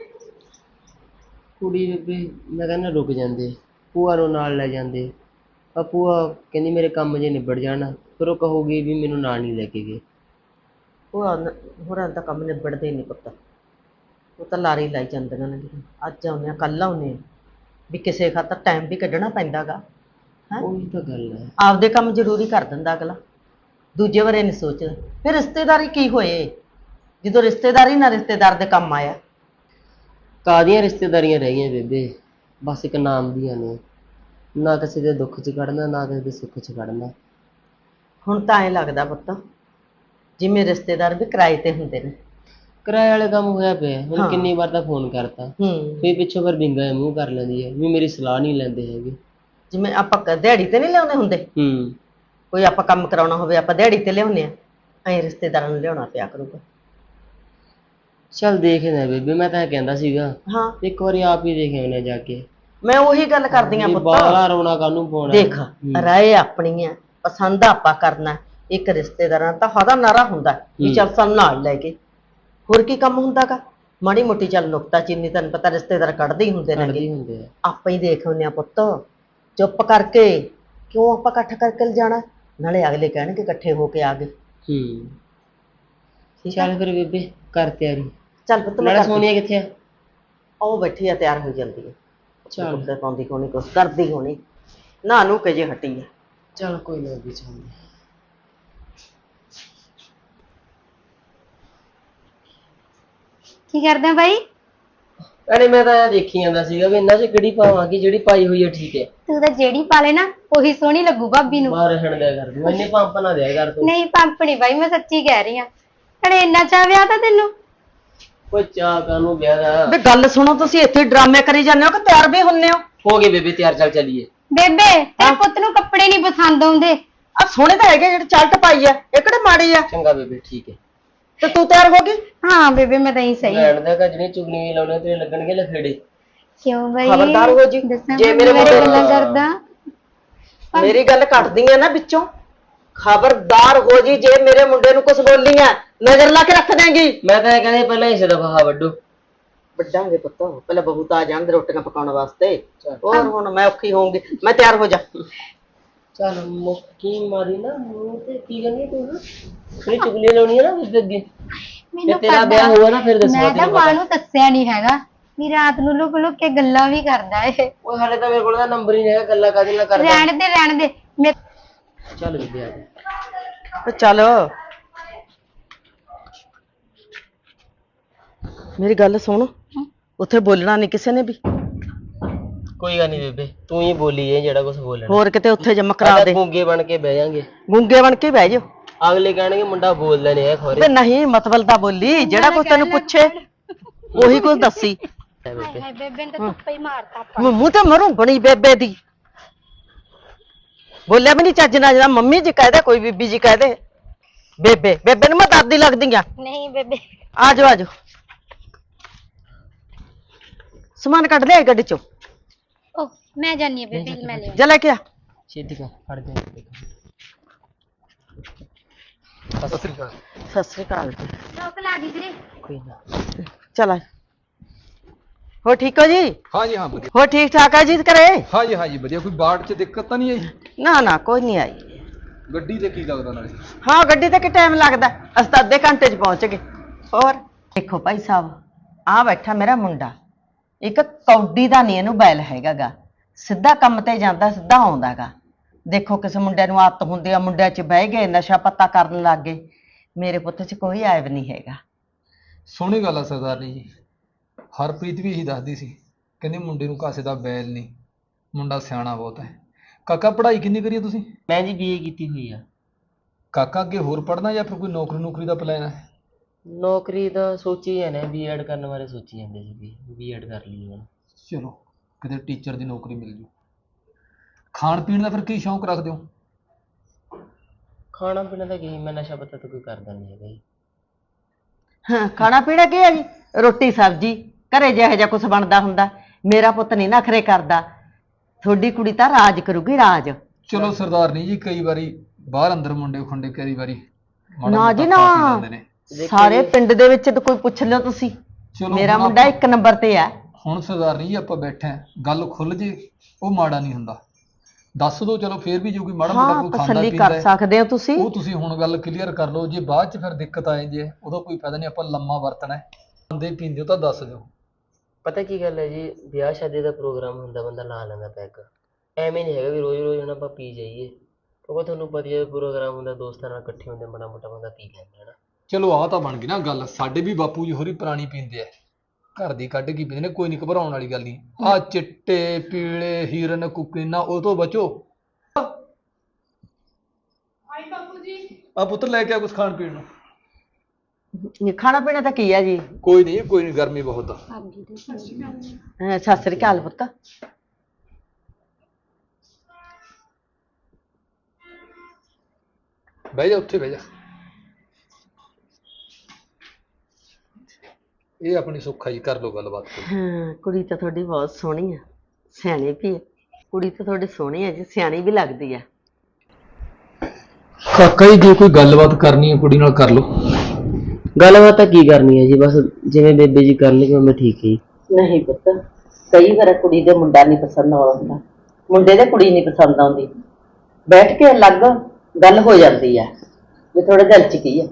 ਕੁੜੀ ਬੇਬੇ ਮੈਂ ਕਹਿੰਦਾ ਰੁਕ ਜਾਂਦੇ, ਭੂਆ ਨੂੰ ਨਾਲ ਲੈ ਜਾਂਦੇ। ਪਰ ਭੂਆ ਕਹਿੰਦੀ ਮੇਰੇ ਕੰਮ ਜੇ ਨਿਬੜ ਜਾਣਾ, ਫਿਰ ਉਹ ਕਹੂਗੀ ਵੀ ਮੈਨੂੰ ਨਾਲ ਨਹੀਂ ਲੈ ਕੇ ਗਏ। ਉਹ ਹੋਰਾਂ ਦਾ ਕੰਮ ਨਿਬੜਦੇ ਹੀ ਨਹੀਂ ਪੁੱਤ, ਉਹ ਤਾਂ ਲਾਰੀ ਲਾਈ ਜਾਂਦੀਆਂ ਨੇ। ਅੱਜ ਆਉਂਦੇ ਆ ਕੱਲ੍ਹ ਆਉਂਦੇ ਆ, ਵੀ ਕਿਸੇ ਖਾਤਰ ਟਾਈਮ ਵੀ ਕੱਢਣਾ ਪੈਂਦਾ ਗਾ। ਹੈਂ ਉਹੀ ਤਾਂ ਗੱਲ ਹੈ। ਆਪਦੇ ਕੰਮ ਜ਼ਰੂਰੀ ਕਰ ਦਿੰਦਾ ਅਗਲਾ, ਦੂਜੇ ਬਾਰੇ ਨਹੀਂ ਸੋਚਦਾ। ਫਿਰ ਰਿਸ਼ਤੇਦਾਰੀ ਕੀ ਹੋਏ ਜਦੋਂ ਰਿਸ਼ਤੇਦਾਰੀ ਨਾ ਰਿਸ਼ਤੇਦਾਰ ਦੇ ਕੰਮ ਆਇਆ। ਕਾਹਦੀਆਂ ਰਿਸ਼ਤੇਦਾਰੀਆਂ ਰਹਿ ਗਈਆਂ ਬੇਬੇ, ਬਸ ਇੱਕ ਨਾਮ ਦੀਆਂ ਨੇ। ਨਾ ਕਿਸੇ ਦੇ ਦੁੱਖ 'ਚ ਖੜਨਾ, ਨਾ ਕਿਸੇ ਦੇ ਸੁੱਖ 'ਚ ਖੜਨਾ। ਹੁਣ ਤਾਂ ਐਂ ਲੱਗਦਾ ਪੁੱਤ ਜਿਵੇਂ ਰਿਸ਼ਤੇਦਾਰ ਵੀ ਕਿਰਾਏ ਤੇ ਹੁੰਦੇ ਨੇ। ਕਿਰਾਏ ਵਾਲੇ ਕੰਮ ਹੋਇਆ ਪਿਆ। ਹੁਣ ਹਾਂ। ਕਿੰਨੀ ਵਾਰ ਤਾਂ ਫੋਨ ਕਰਤਾ, ਹੂੰ ਫਿਰ ਪਿੱਛੋਂ ਫਿਰ ਵਿੰਗਾ ਜਿਹਾ ਮੂੰਹ ਕਰ ਲੈਂਦੀ ਹੈ ਵੀ ਮੇਰੀ ਸਲਾਹ ਨਹੀਂ ਲੈਂਦੇ ਹੈਗੇ। ਜਿਵੇਂ ਆਪਾਂ ਕ- ਦਿਹਾੜੀ ਤੇ ਨਹੀਂ ਲਿਆਉਂਦੇ ਹੁੰਦੇ, ਹੂੰ ਕੋਈ ਆਪਾਂ ਕੰਮ ਕਰਾਉਣਾ ਹੋਵੇ ਆਪਾਂ ਦਿਹਾੜੀ ਤੇ ਲਿਆਉਂਦੇ ਆ, ਐਂ ਰਿਸ਼ਤੇਦਾਰਾਂ ਨੂੰ ਲਿਆਉਣਾ ਪਿਆ ਕਰੂਗਾ। ਚੱਲ ਦੇਖਦੇ ਬੇਬੇ, ਮੈਂ ਤਾਂ ਇਹ ਕਹਿੰਦਾ ਸੀਗਾ ਹਾਂ ਇੱਕ ਵਾਰੀ ਆਪ ਹੀ ਦੇਖ ਆਉਂਦੇ ਜਾ ਕੇ। ਮੈਂ ਉਹੀ ਗੱਲ ਕਰਦੀ ਆ ਪੁੱਤ। ਬਾਹਲਾ ਰੋਣਾ ਕਾਹਨੂੰ ਪਾਉਣਾ। ਦੇਖ ਹੂੰ। ਰਾਏ ਆਪਣੀ ਆ, ਪਸੰਦ ਆਪਾਂ ਕਰਨਾ। ਇੱਕ ਰਿਸ਼ਤੇਦਾਰਾਂ ਤਾਂ ਹਦਾ ਨਾਰਾ ਹੁੰਦਾ ਵੀ ਹੂੰ। ਚੱਲ ਸਾਨੂੰ ਨਾਲ ਲੈ ਕੇ, ਹੋਰ ਕੀ ਕੰਮ ਹੁੰਦਾ ਗਾ। ਮਾੜੀ ਮੋਟੀ ਚੱਲ ਨੁਕਤਾ ਚੀਨੀ ਤੈਨੂੰ ਪਤਾ ਰਿਸ਼ਤੇਦਾਰ ਕੱਢਦੇ ਹੀ ਹੁੰਦੇ ਕੱਢਦੇ ਨੇ। ਹੀ ਹੁੰਦੇ ਆ। ਆਪਾਂ ਹੀ ਦੇਖ ਆਉਂਦੇ ਆ ਪੁੱਤ, ਚੁੱਪ ਕਰਕੇ ਕਿਉਂ ਆਪਾਂ ਇਕੱਠ ਕਰਕੇ ਲਿਜਾਣਾ, ਨਾਲੇ ਅਗਲੇ ਕਹਿਣਗੇ ਇਕੱਠੇ ਹੋ ਕੇ ਆ ਗਏ। ਹੂੰ ਠੀਕ ਆ ਚੱਲ ਫਿਰ ਬੇਬੇ ਕਰ ਤਿਆਰੀ। ਚੱਲ ਪੁੱਤ ਮੈਂ ਨਾਲੇ ਕਰਦੀ- ਸੋਨੀਆ ਕਿੱਥੇ ਆ? ਉਹ ਬੈਠੀ ਆ ਤਿਆਰ ਹੋ ਜਾਂਦੀ ਹੈ, ਚੱਲ। ਕੱਪੜੇ ਪਾਉਂਦੀ ਹੋਣੀ, ਕੁਛ ਕਰਦੀ ਹੋਣੀ, ਨਾ ਨੂੰ ਕੇ ਜੇ ਹਟੀ ਆ। ਚੱਲ ਕੋਈ ਨਾ ਵੀ ਚੱਲ। ਕੀ ਕਰਦਾ ਬਾਈ? ਅਰੇ ਮੈਂ ਤਾਂ ਇਹ ਦੇਖੀ ਜਾਂਦਾ ਸੀਗਾ ਵੀ ਇਹਨਾਂ 'ਚ ਕਿਹੜੀ ਪਾਵਾਂਗੀ, ਜਿਹੜੀ ਪਾਈ ਹੋਈ ਹੈ ਠੀਕ ਹੈ। ਤੂੰ ਤਾਂ ਜਿਹੜੀ ਪਾ ਲੈ ਨਾ ਉਹੀ ਸੋਹਣੀ ਲੱਗੂ ਭਾਬੀ ਨੂੰ। ਬਾਹਰ ਰਹਿਣ ਦਿਆ ਕਰ ਤੂੰ, ਇੰਨੇ ਪੰਪ ਨਾ ਦਿਆ ਕਰ ਤੂੰ। ਨਹੀਂ ਪੰਪ ਨੀ ਬਾਈ, ਮੈਂ ਸੱਚੀ ਕਹਿ ਰਹੀ ਆ। ਅਰੇ ਇੰਨਾ ਚਾਹ ਵਿਆਹ ਤਾਂ ਤੈਨੂੰ। ਕੋਈ ਚਾਹ ਕਾਹਨੂੰ ਵਿਆਹ ਦਾ। ਵੇ ਗੱਲ ਸੁਣੋ, ਤੁਸੀਂ ਇੱਥੇ ਡਰਾਮੇ ਕਰੀ ਜਾਂਦੇ ਹੋ ਕਿ ਤਿਆਰ ਵੀ ਹੁੰਨੇ ਹੋ? ਹੋ ਗਏ ਬੇਬੇ ਤਿਆਰ, ਚੱਲ ਚੱਲੀਏ। ਬੇਬੇ ਤੇਰੇ ਪੁੱਤ ਨੂੰ ਕੱਪੜੇ ਨਹੀਂ ਪਸੰਦ ਆਉਂਦੇ। ਆ ਸੋਹਣੇ ਤਾਂ ਹੈਗੇ ਜਿਹੜੇ ਚਲਟ ਪਾਈ ਆ, ਇਹ ਕਿਹੜੇ ਮਾੜੀ ਆ? ਚੰਗਾ ਬੇਬੇ ਠੀਕ ਹੈ। ਤੇ ਤੂੰ ਤਿਆਰ ਹੋ ਗਈ? ਹਾਂ ਬੇਬੇ ਮੈਂ ਤਾਂ ਹੀ ਸਹੀ ਆ। ਲੈਣ ਦਾ ਕਾ ਜਿਹੜੇ ਚੁਗਲੀਆਂ ਲਾਉਣੇ ਤੇਰੇ ਲੱਗਣਗੇ ਲਫੇੜੇ। ਕਿਉਂ ਬਾਈ? ਖਬਰਦਾਰ ਹੋ ਜੀ, ਦੱਸਾਂ ਜੇ ਜੇ ਮੇਰੇ ਮੇਰੇ ਮੁੰਡੇ ਗੱਲਾਂ ਕਰਦਾ। ਮੇਰੀ ਗੱਲ ਕੱਟਦੀ ਆ ਨਾ ਵਿੱਚੋਂ, ਖਬਰਦਾਰ ਹੋ ਜੀ ਜੇ ਮੇਰੇ ਮੁੰਡੇ ਨੂੰ ਕੁਝ ਬੋਲੀ ਆ, ਨਜ਼ਰ ਲਾ ਕੇ ਰੱਖ ਦੇਂਗੀ। ਮੈਂ ਤਾਂ ਇਹ ਕਹਿੰਦਾ ਪਹਿਲਾਂ ਇਸੇ ਦਾ ਫਾਹਾ ਵੱਡੋ। ਵੱਡਾਂਗੇ ਪੁੱਤ, ਪਹਿਲਾਂ ਬਹੂ ਤਾਂ ਆ ਜਾਣ ਦੇ ਰੋਟੀਆਂ ਪਕਾਉਣ ਵਾਸਤੇ। ਚੱਲ। ਹੋਰ ਹੁਣ ਮੈਂ ਔਖੀ ਹੋਊਂਗੀ, ਮੈਂ ਤਿਆਰ ਹੋ ਜਾ। ਚੱਲ ਮੁੱਕੀ ਮਾਰੀ ਨਾ ਮੂੰਹ ਤੇ, ਕੀ ਕਰਨੀ ਤੂੰ ਨਾ ਫਿਰ ਚੁਗਲੀਆਂ ਲਾਉਣੀ ਹੈ ਨਾ ਉਸ ਦੇ ਅੱਗੇ। ਜੇ ਮੈਨੂੰ ਤੇਰਾ ਪਤਾ- ਵਿਆਹ ਹੋਊਗਾ ਨਾ ਫਿਰ ਦੱਸਣਾ ਮੈਂ ਤਾਂ ਤੈਨੂੰ ਮਾਂ ਪਤਾ। ਨੂੰ ਦੱਸਿਆ ਨਹੀਂ ਹੈਗਾ ਵੀ ਰਾਤ ਨੂੰ ਲੁਕ ਲੁਕ ਕੇ ਗੱਲਾਂ ਵੀ ਕਰਦਾ ਇਹ। ਉਹ ਹਾਲੇ ਤਾਂ ਮੇਰੇ ਕੋਲ ਤਾਂ ਨੰਬਰ ਹੀ ਨਹੀਂ ਹੈਗਾ, ਗੱਲਾਂ ਕਾਹਦੇ ਨਾਲ ਕਰਦਾ। ਰਹਿਣ ਦੇ ਰਹਿਣ ਦੇ ਮੈਂ ਚੱਲ ਬੇਬੇ ਆ ਜਾ। ਤੇ ਚੱਲ ਮੇਰੀ ਗੱਲ ਸੁਣ, ਉੱਥੇ ਬੋਲਣਾ ਨਹੀਂ ਕਿਸੇ ਨੇ ਵੀ। ਕੋਈ ਗੱਲ ਨਹੀਂ ਬੇਬੇ, ਤੂੰ ਹੀ ਬੋਲੀ ਜੇ ਜਿਹੜਾ ਕੁਝ ਬੋਲਣਾ। ਹੋਰ ਕਿਤੇ ਉੱਥੇ ਜਮ ਕਰਾ ਆਪਾਂ ਦੇ, ਗੂੰਗੇ ਬਣ ਕੇ ਬਹਿ ਜਾਾਂਗੇ। ਗੂੰਗੇ ਬਣ ਕੇ ਬਹਿ ਜਾਓ। ਅਗਲੇ ਕਹਿਣਗੇ ਮੁੰਡਾ ਬੋਲਦਾ ਨਹੀਂ ਹੈ ਖੋਰੇ। ਤੇ ਨਹੀਂ ਮਤਲਬ ਦਾ ਬੋਲੀ, ਜਿਹੜਾ ਕੋਈ ਤੈਨੂੰ ਪੁੱਛੇ ਉਹੀ ਕੁਝ ਦੱਸੀ। ਬੇਬੇ ਹਾਏ ਬੇਬੇ ਨੇ ਤਾਂ ਧੁੱਪੇ ਹੀ ਮਾਰਤਾ ਆਪਾਂ। ਮੈਂ ਮੂੰਹ ਤੇ ਮਰੂੰ ਬਣੀ ਬੇਬੇ ਦੀ, ਬੋਲਿਆ ਵੀ ਨਹੀਂ ਚੱਜ ਨਾਲ। ਜਿਹੜਾ ਮੰਮੀ ਜੀ ਕਹਦੇ, ਕੋਈ ਬੀਬੀ ਜੀ ਕਹਦੇ, ਬੇਬੇ ਬੇਬੇ ਨੂੰ ਮੈਂ ਦਾਦੀ ਲੱਗਦੀ ਆ। ਨਹੀਂ ਬੇਬੇ ਆ ਜਾਓ ਆ ਜਾਓ, ਸਮਾਨ ਕੱਢ ਲਿਆ ਗੱਡੀ ਚੋਂ, ਓ ਮੈਂ ਜਾਨੀ ਆ ਬੇਬੇ, ਮੈਂ ਲੈ ਜਾ ਲੈ ਕੇ ਆ। ਛੇਤੀ ਕਰ ਫੜ ਦੇ। ਸਤਿ ਸ੍ਰੀ ਅਕਾਲ। ਸਤਿ ਸ੍ਰੀ ਅਕਾਲ ਜੀ। ਲੋਕ ਲਾ ਦੀ ਤੇਰੇ। ਕੋਈ ਨਾ। ਚਲ ਆ। ਹੋ ਠੀਕ ਹੋ ਜੀ? हाँ जी हाँ बढ़िया। ਹੋ ਠੀਕ ਠਾਕ ਆ ਜੀ ਘਰੇ? हाँ जी हाँ जी बढ़िया। कोई बाढ़ च दिक्कत तो नहीं आई? ਨਾ ਨਾ ਕੋਈ ਨਹੀਂ ਆਈ। गड्डी ते की लगदा नाले? ਹਾਂ ਗੱਡੀ ਤੇ ਕਿ ਟਾਈਮ ਲੱਗਦਾ, ਅਸੀਂ ਤਾਂ ਅੱਧੇ ਘੰਟੇ 'ਚ ਪਹੁੰਚ ਗਏ। ਹੋਰ ਦੇਖੋ ਭਾਈ ਸਾਹਿਬ, ਆ ਬੈਠਾ ਮੇਰਾ ਮੁੰਡਾ, ਇੱਕ ਕੌਡੀ ਦਾ ਨਹੀਂ ਇਹਨੂੰ ਬੈਲ ਹੈਗਾ ਗਾ, ਸਿੱਧਾ ਕੰਮ ਤੇ ਜਾਂਦਾ ਸਿੱਧਾ ਆਉਂਦਾ ਗਾ। ਦੇਖੋ ਕਿਸੇ ਮੁੰਡੇ ਨੂੰ ਆਦਤ ਹੁੰਦੀ ਆ, ਮੁੰਡਿਆਂ 'ਚ ਬਹਿ ਗਏ ਨਸ਼ਾ ਪੱਤਾ ਕਰਨ ਲੱਗ ਗਏ। ਮੇਰੇ ਪੁੱਤ 'ਚ ਕੋਈ ਐਬ ਨਹੀਂ ਹੈਗਾ। ਸੋਹਣੀ ਗੱਲ ਆ ਸਰਦਾਰਨੀ ਜੀ। ਹਰਪ੍ਰੀਤ ਵੀ ਇਹੀ ਦੱਸਦੀ ਸੀ, ਕਹਿੰਦੀ ਮੁੰਡੇ ਨੂੰ ਕਾਸੇ ਦਾ ਬੈਲ ਨਹੀਂ, ਮੁੰਡਾ ਸਿਆਣਾ ਬਹੁਤ ਹੈ। ਕਾਕਾ ਪੜ੍ਹਾਈ ਕਿੰਨੀ ਕਰੀ ਹੈ ਤੁਸੀਂ? ਮੈਂ ਜੀ ਬੀਏ ਕੀਤੀ ਹੋਈ ਆ। ਕਾਕਾ ਅੱਗੇ ਹੋਰ ਪੜ੍ਹਨਾ ਜਾਂ ਫਿਰ ਕੋਈ ਨੌਕਰੀ ਨੌਕਰੀ ਦਾ ਪਲਾਨ ਹੈ? ਨੌਕਰੀ ਦਾ ਸੋਚੀ ਜਾਂਦੇ ਬੀਐਡ ਕਰਨ ਬਾਰੇ ਸੋਚੀ ਜਾਂਦੇ ਸੀ ਵੀ ਬੀਐਡ ਕਰ ਲਈ ਹੁਣ। ਚਲੋ ਕਿਤੇ ਟੀਚਰ ਦੀ ਨੌਕਰੀ ਮਿਲ ਜੂ। ਖਾਣ ਪੀਣ ਦਾ ਫਿਰ ਕੀ ਸ਼ੌਂਕ ਰੱਖਦੇ ਹੋ? ਖਾਣਾ ਪੀਣਾ ਤਾਂ ਕੀ, ਮੈਂ ਨਸ਼ਾ ਪੱਤਾ ਤਾਂ ਕੋਈ ਕਰਦਾ ਨਹੀਂ ਹੈਗਾ ਜੀ। ਹਾਂ ਖਾਣਾ ਪੀਣਾ ਕੀ ਹੈ ਜੀ? ਰੋਟੀ ਸਬਜ਼ੀ ਘਰੇ ਜਿਹੋ ਜਿਹਾ ਕੁਛ ਬਣਦਾ ਹੁੰਦਾ। ਮੇਰਾ ਪੁੱਤ ਨਹੀਂ ਨਖਰੇ ਕਰਦਾ, ਤੁਹਾਡੀ ਕੁੜੀ ਤਾਂ ਰਾਜ ਕਰੂਗੀ ਰਾਜ। ਚਲੋ ਸਰਦਾਰਨੀ ਜੀ, ਕਈ ਵਾਰੀ ਬਾਹਰ ਅੰਦਰ ਮੁੰਡੇ ਖੁੰਡੇ ਕਈ ਵਾਰੀ ਮਾੜਾ ਨਾ ਜੀ ਮੋਟਾ ਨਾ, ਖਾ ਪੀ ਜਾਂਦੇ ਨੇ। ਸਾਰੇ ਪਿੰਡ ਦੇ ਵਿੱਚ ਤਾਂ ਕੋਈ ਪੁੱਛ ਲਿਓ ਤੁਸੀਂ, ਚਲੋ ਮੇਰਾ ਹੁਣ ਮੁੰਡਾ ਆਪਾਂ- ਇੱਕ ਨੰਬਰ ਤੇ ਆ। ਹੁਣ ਸਰਦਾਰਨੀ ਜੀ ਆਪਾਂ ਬੈਠੇ ਆਂ, ਗੱਲ ਖੁੱਲ ਜੇ ਉਹ ਮਾੜਾ ਨਹੀਂ ਹੁੰਦਾ। ਦੱਸ ਦੋ, ਚਲੋ ਫੇਰ ਵੀ ਜੇ ਕੋਈ ਮਾੜਾ ਮੋਟਾ ਹਾਂ ਕੋਈ ਖਾਂਦਾ ਤਸੱਲੀ ਪੀਂਦਾ ਕਰ ਹੈ, ਸਕਦੇ ਹੋ ਤੁਸੀਂ। ਉਹ ਤੁਸੀਂ ਹੁਣ ਗੱਲ ਕਲੀਅਰ ਕਰ ਲਓ। ਜੇ ਬਾਅਦ ਚ ਫਿਰ ਦਿੱਕਤ ਆਏ ਜੇ ਉਹਦਾ ਕੋਈ ਫਾਇਦਾ ਨਹੀਂ, ਆਪਾਂ ਲੰਮਾ ਵਰਤਣਾ ਹੈ। ਖਾਂਦੇ ਪੀਂਦੇ ਹੋ ਤਾਂ ਦੱਸ ਦਿਓ। ਪਤਾ ਕੀ ਗੱਲ ਹੈ ਜੀ, ਵਿਆਹ ਸ਼ਾਦੀ ਦਾ ਪ੍ਰੋਗਰਾਮ ਹੁੰਦਾ ਬੰਦਾ ਲਾ ਲੈਂਦਾ ਪੈਗ। ਐਵੇਂ ਨਹੀਂ ਹੈਗਾ ਵੀ ਰੋਜ਼ ਰੋਜ਼ ਹੁਣ ਆਪਾਂ ਪੀ ਜਾਈਏ, ਕਿਉਂਕਿ ਤੁਹਾਨੂੰ ਪਤਾ ਹੀ ਹੈ ਪ੍ਰੋਗਰਾਮ ਹੁੰਦਾ, ਦੋਸਤਾਂ ਨਾਲ ਇਕੱਠੇ ਹੁੰਦੇ, ਮਾੜਾ ਮੋਟਾ ਬੰਦਾ ਪੀ ਲੈਂਦਾ ਹੈ ਨਾ। ਚਲੋ ਆਹ ਤਾਂ ਬਣ ਗਈ ਨਾ ਗੱਲ। ਸਾਡੇ ਵੀ ਬਾਪੂ ਜੀ ਹੋਰੀ ਪੁਰਾਣੀ ਪੀਂਦੇ ਆ, ਘਰ ਦੀ ਕੱਢ ਕੇ ਪੀਂਦੇ ਨੇ, ਕੋਈ ਨਹੀਂ ਘਬਰਾਉਣ ਵਾਲੀ ਗੱਲ ਨਹੀਂ। ਆਹ ਚਿੱਟੇ ਪੀਲੇ ਹੀਰਨ ਕੁਕੀਨਾ ਉਹ ਤੋਂ ਬਚੋ। ਆਈ ਬਾਪੂ ਜੀ। ਆ ਪੁੱਤਰ ਲੈ ਕੇ ਆ ਕੁਝ ਖਾਣ ਪੀਣ ਨੂੰ। ਇਹ ਖਾਣਾ ਪੀਣਾ ਤਾਂ ਕੀ ਹੈ ਜੀ? ਕੋਈ ਨਹੀਂ ਕੋਈ ਨਹੀਂ, ਗਰਮੀ ਬਹੁਤ ਆ। ਹਾਂ, ਸਤਿ ਸ੍ਰੀ ਅਕਾਲ ਪੁੱਤ। ਬਹਿ ਜਾ ਉੱਥੇ ਬਹਿ ਜਾ। ਇਹ ਆਪਣੀ ਸੁੱਖਾ ਜੀ, ਕਰ ਲਓ ਗੱਲਬਾਤ ਕੋਈ। ਹਾਂ ਕੁੜੀ ਤਾਂ ਤੁਹਾਡੀ ਬਹੁਤ ਸੋਹਣੀ ਆ, ਸਿਆਣੀ ਵੀ ਹੈ। ਕੁੜੀ ਤਾਂ ਤੁਹਾਡੀ ਸੋਹਣੀ ਹੈ ਜੀ, ਸਿਆਣੀ ਵੀ ਲੱਗਦੀ ਆ। ਕਾਕਾ ਜੀ ਜੇ ਕੋਈ ਗੱਲਬਾਤ ਕਰਨੀ ਹੈ ਕੁੜੀ ਨਾਲ ਕਰ ਲਓ। ਗੱਲਬਾਤ ਤਾਂ ਕੀ ਕਰਨੀ ਹੈ ਜੀ, ਬਸ ਜਿਵੇਂ ਬੇਬੇ ਜੀ ਕਰਨਗੇ ਉਵੇਂ ਠੀਕ ਹੈ ਜੀ। ਨਹੀਂ ਪੁੱਤ, ਕਈ ਵਾਰ ਕੁੜੀ ਦੇ ਮੁੰਡਾ ਨਹੀਂ ਪਸੰਦ ਆਉਂਦਾ, ਮੁੰਡੇ ਦੇ ਕੁੜੀ ਨਹੀਂ ਪਸੰਦ ਆਉਂਦੀ। ਬੈਠ ਕੇ ਅਲੱਗ ਗੱਲ ਹੋ ਜਾਂਦੀ ਆ ਵੀ ਤੁਹਾਡੇ ਦਿਲ 'ਚ ਕੀ ਆ।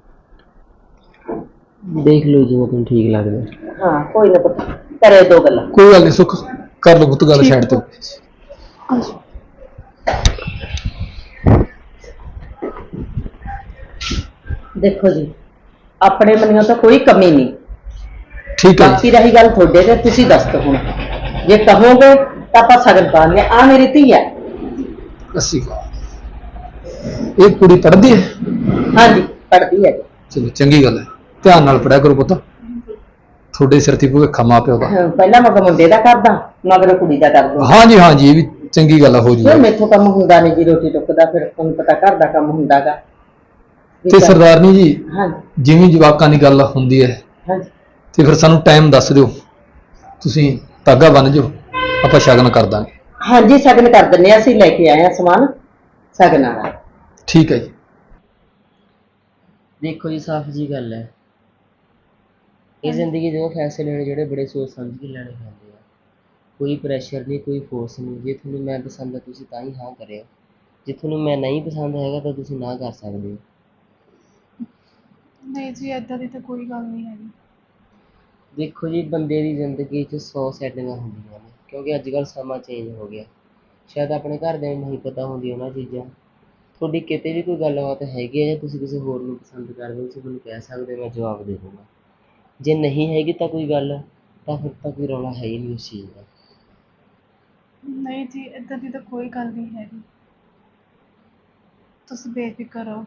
ਦੇਖ ਲਓ ਜਿਵੇਂ ਤੁਹਾਨੂੰ ਠੀਕ ਲੱਗਦਾ। ਹਾਂ ਕੋਈ ਨਾ ਪੁੱਤ, ਕਰੇ ਦੋ ਗੱਲਾਂ। ਕੋਈ ਗੱਲ ਨਹੀਂ ਸੁੱਖ, ਕਰ ਲਓ ਪੁੱਤ ਗੱਲ ਸਾਈਡ ਤੇ। ਦੇਖੋ ਜੀ, ਆਪਣੇ ਮਨਿਓ ਤਾਂ ਕੋਈ ਕਮੀ ਨਹੀਂ। ਠੀਕ ਹੈ ਬਾਕੀ ਜੀ। ਰਹੀ ਗੱਲ ਤੁਹਾਡੇ ਤੇ, ਤੁਸੀਂ ਦੱਸ ਦਿਓ ਹੁਣ। ਜੇ ਕਹੋਗੇ ਤਾਂ ਆਪਾਂ ਸਗਨ ਪਾਉਂਦੇ ਆ। ਆ ਮੇਰੀ ਧੀ ਹੈ। ਅੱਸੀ ਇਹ ਕੁੜੀ ਪੜ੍ਹਦੀ ਹੈ? ਹਾਂਜੀ ਪੜ੍ਹਦੀ ਹੈ ਜੀ। ਚਲੋ ਚੰਗੀ ਗੱਲ ਹੈ, ਧਿਆਨ ਨਾਲ ਪੜਿਆ ਕਰੋ ਪੁੱਤ, ਤੁਹਾਡੇ ਸਿਰ ਤੇ ਭੁਲੇਖਾ ਮਾਂ ਪਿਓ ਦਾ। ਹਾਂ, ਪਹਿਲਾਂ ਮਗਰ ਮੁੰਡੇ ਦਾ ਕਰਦਾ, ਮਗਰ ਕੁੜੀ ਦਾ ਕਰਦਾ। ਹਾਂਜੀ ਹਾਂਜੀ, ਇਹ ਵੀ ਚੰਗੀ ਗੱਲ ਆ, ਹੋ ਫਿਰ ਜੂਗਾ। ਮੈਥੋਂ ਕੰਮ ਹੁੰਦਾ ਨਹੀਂ ਜੀ, ਰੋਟੀ ਟੁੱਕ ਦਾ ਫਿਰ ਤੁਹਾਨੂੰ ਪਤਾ ਘਰ ਦਾ ਕੰਮ ਹੁੰਦਾਗਾ। ਤੇ ਸਰਦਾਰਨੀ ਜੀ, ਹਾਂਜੀ ਜਿਵੇਂ ਜਵਾਕਾਂ ਦੀ ਗੱਲ ਹੁੰਦੀ ਹੈ ਹਾਂਜੀ ਤੇ ਫਿਰ ਸਾਨੂੰ ਟਾਈਮ ਦੱਸ ਦਿਓ, ਤੁਸੀਂ ਧਾਗਾ ਬੰਨ ਜਾਓ, ਆਪਾਂ ਸ਼ਗਨ ਕਰ ਦਾਂਗੇ। ਹਾਂਜੀ ਸਗਨ ਕਰ ਦਿੰਦੇ ਹਾਂ, ਅਸੀਂ ਲੈ ਕੇ ਆਏ ਹਾਂ ਸਮਾਨ ਸਗਨਾਂ ਦਾ। ਠੀਕ ਹੈ ਜੀ। ਦੇਖੋ ਜੀ ਸਾਫ਼ ਜੀ ਗੱਲ ਹੈ, ਇਹ ਜ਼ਿੰਦਗੀ ਦੇ ਉਹ ਫੈਸਲੇ ਲੈਣੇ ਜਿਹੜੇ ਬੜੇ ਸੋਚ ਸਮਝ ਕੇ ਲੈਣੇ ਪੈਂਦੇ ਆ। ਕੋਈ ਪ੍ਰੈਸ਼ਰ ਨਹੀਂ, ਕੋਈ ਫੋਰਸ ਨਹੀਂ। ਜੇ ਤੁਹਾਨੂੰ ਮੈਂ ਪਸੰਦ ਹੈ ਤੁਸੀਂ ਤਾਂ ਹੀ ਹਾਂ ਕਰਿਓ, ਜੇ ਤੁਹਾਨੂੰ ਮੈਂ ਨਹੀਂ ਪਸੰਦ ਹੈਗਾ ਤਾਂ ਤੁਸੀਂ ਨਾ ਕਰ ਸਕਦੇ ਹੋ। ਨਹੀਂ ਜੀ ਏਦਾਂ ਦੀ ਤਾਂ ਕੋਈ ਗੱਲ ਨਹੀਂ ਹੈਗੀ। ਦੇਖੋ ਜੀ ਬੰਦੇ ਦੀ ਜ਼ਿੰਦਗੀ 'ਚ ਸੌ ਸੈਟਿੰਗਾਂ ਹੁੰਦੀਆਂ ਨੇ, ਕਿਉਂਕਿ ਅੱਜ ਕੱਲ੍ਹ ਸਮਾਂ ਚੇਂਜ ਹੋ ਗਿਆ। ਸ਼ਾਇਦ ਆਪਣੇ ਘਰਦਿਆਂ ਨੂੰ ਨਹੀਂ ਪਤਾ ਹੁੰਦੀ ਉਹਨਾਂ ਚੀਜ਼ਾਂ। ਤੁਹਾਡੀ ਕਿਤੇ ਵੀ ਕੋਈ ਗੱਲਬਾਤ ਹੈਗੀ ਹੈ ਜਾਂ ਤੁਸੀਂ ਕਿਸੇ ਹੋਰ ਨੂੰ ਪਸੰਦ ਕਰਦੇ ਹੋ, ਤੁਸੀਂ ਮੈਨੂੰ ਕਹਿ ਸਕਦੇ ਹੋ, ਮੈਂ ਜਵਾਬ ਦੇ ਦੂੰਗਾ। ਜੇ ਨਹੀਂ ਹੈਗੀ ਤਾਂ ਕੋਈ ਗੱਲ, ਤਾਂ ਫਿਰ ਤਾਂ ਕੋਈ ਰੌਲਾ ਹੈ ਹੀ ਨਹੀਂ ਉਸ ਚੀਜ਼ ਦਾ। ਨਹੀਂ ਜੀ ਏਦਾਂ ਦੀ ਤਾਂ ਕੋਈ ਗੱਲ ਨਹੀਂ ਹੈਗੀ, ਤੁਸੀਂ ਬੇਫਿਕਰ ਰਹੋ।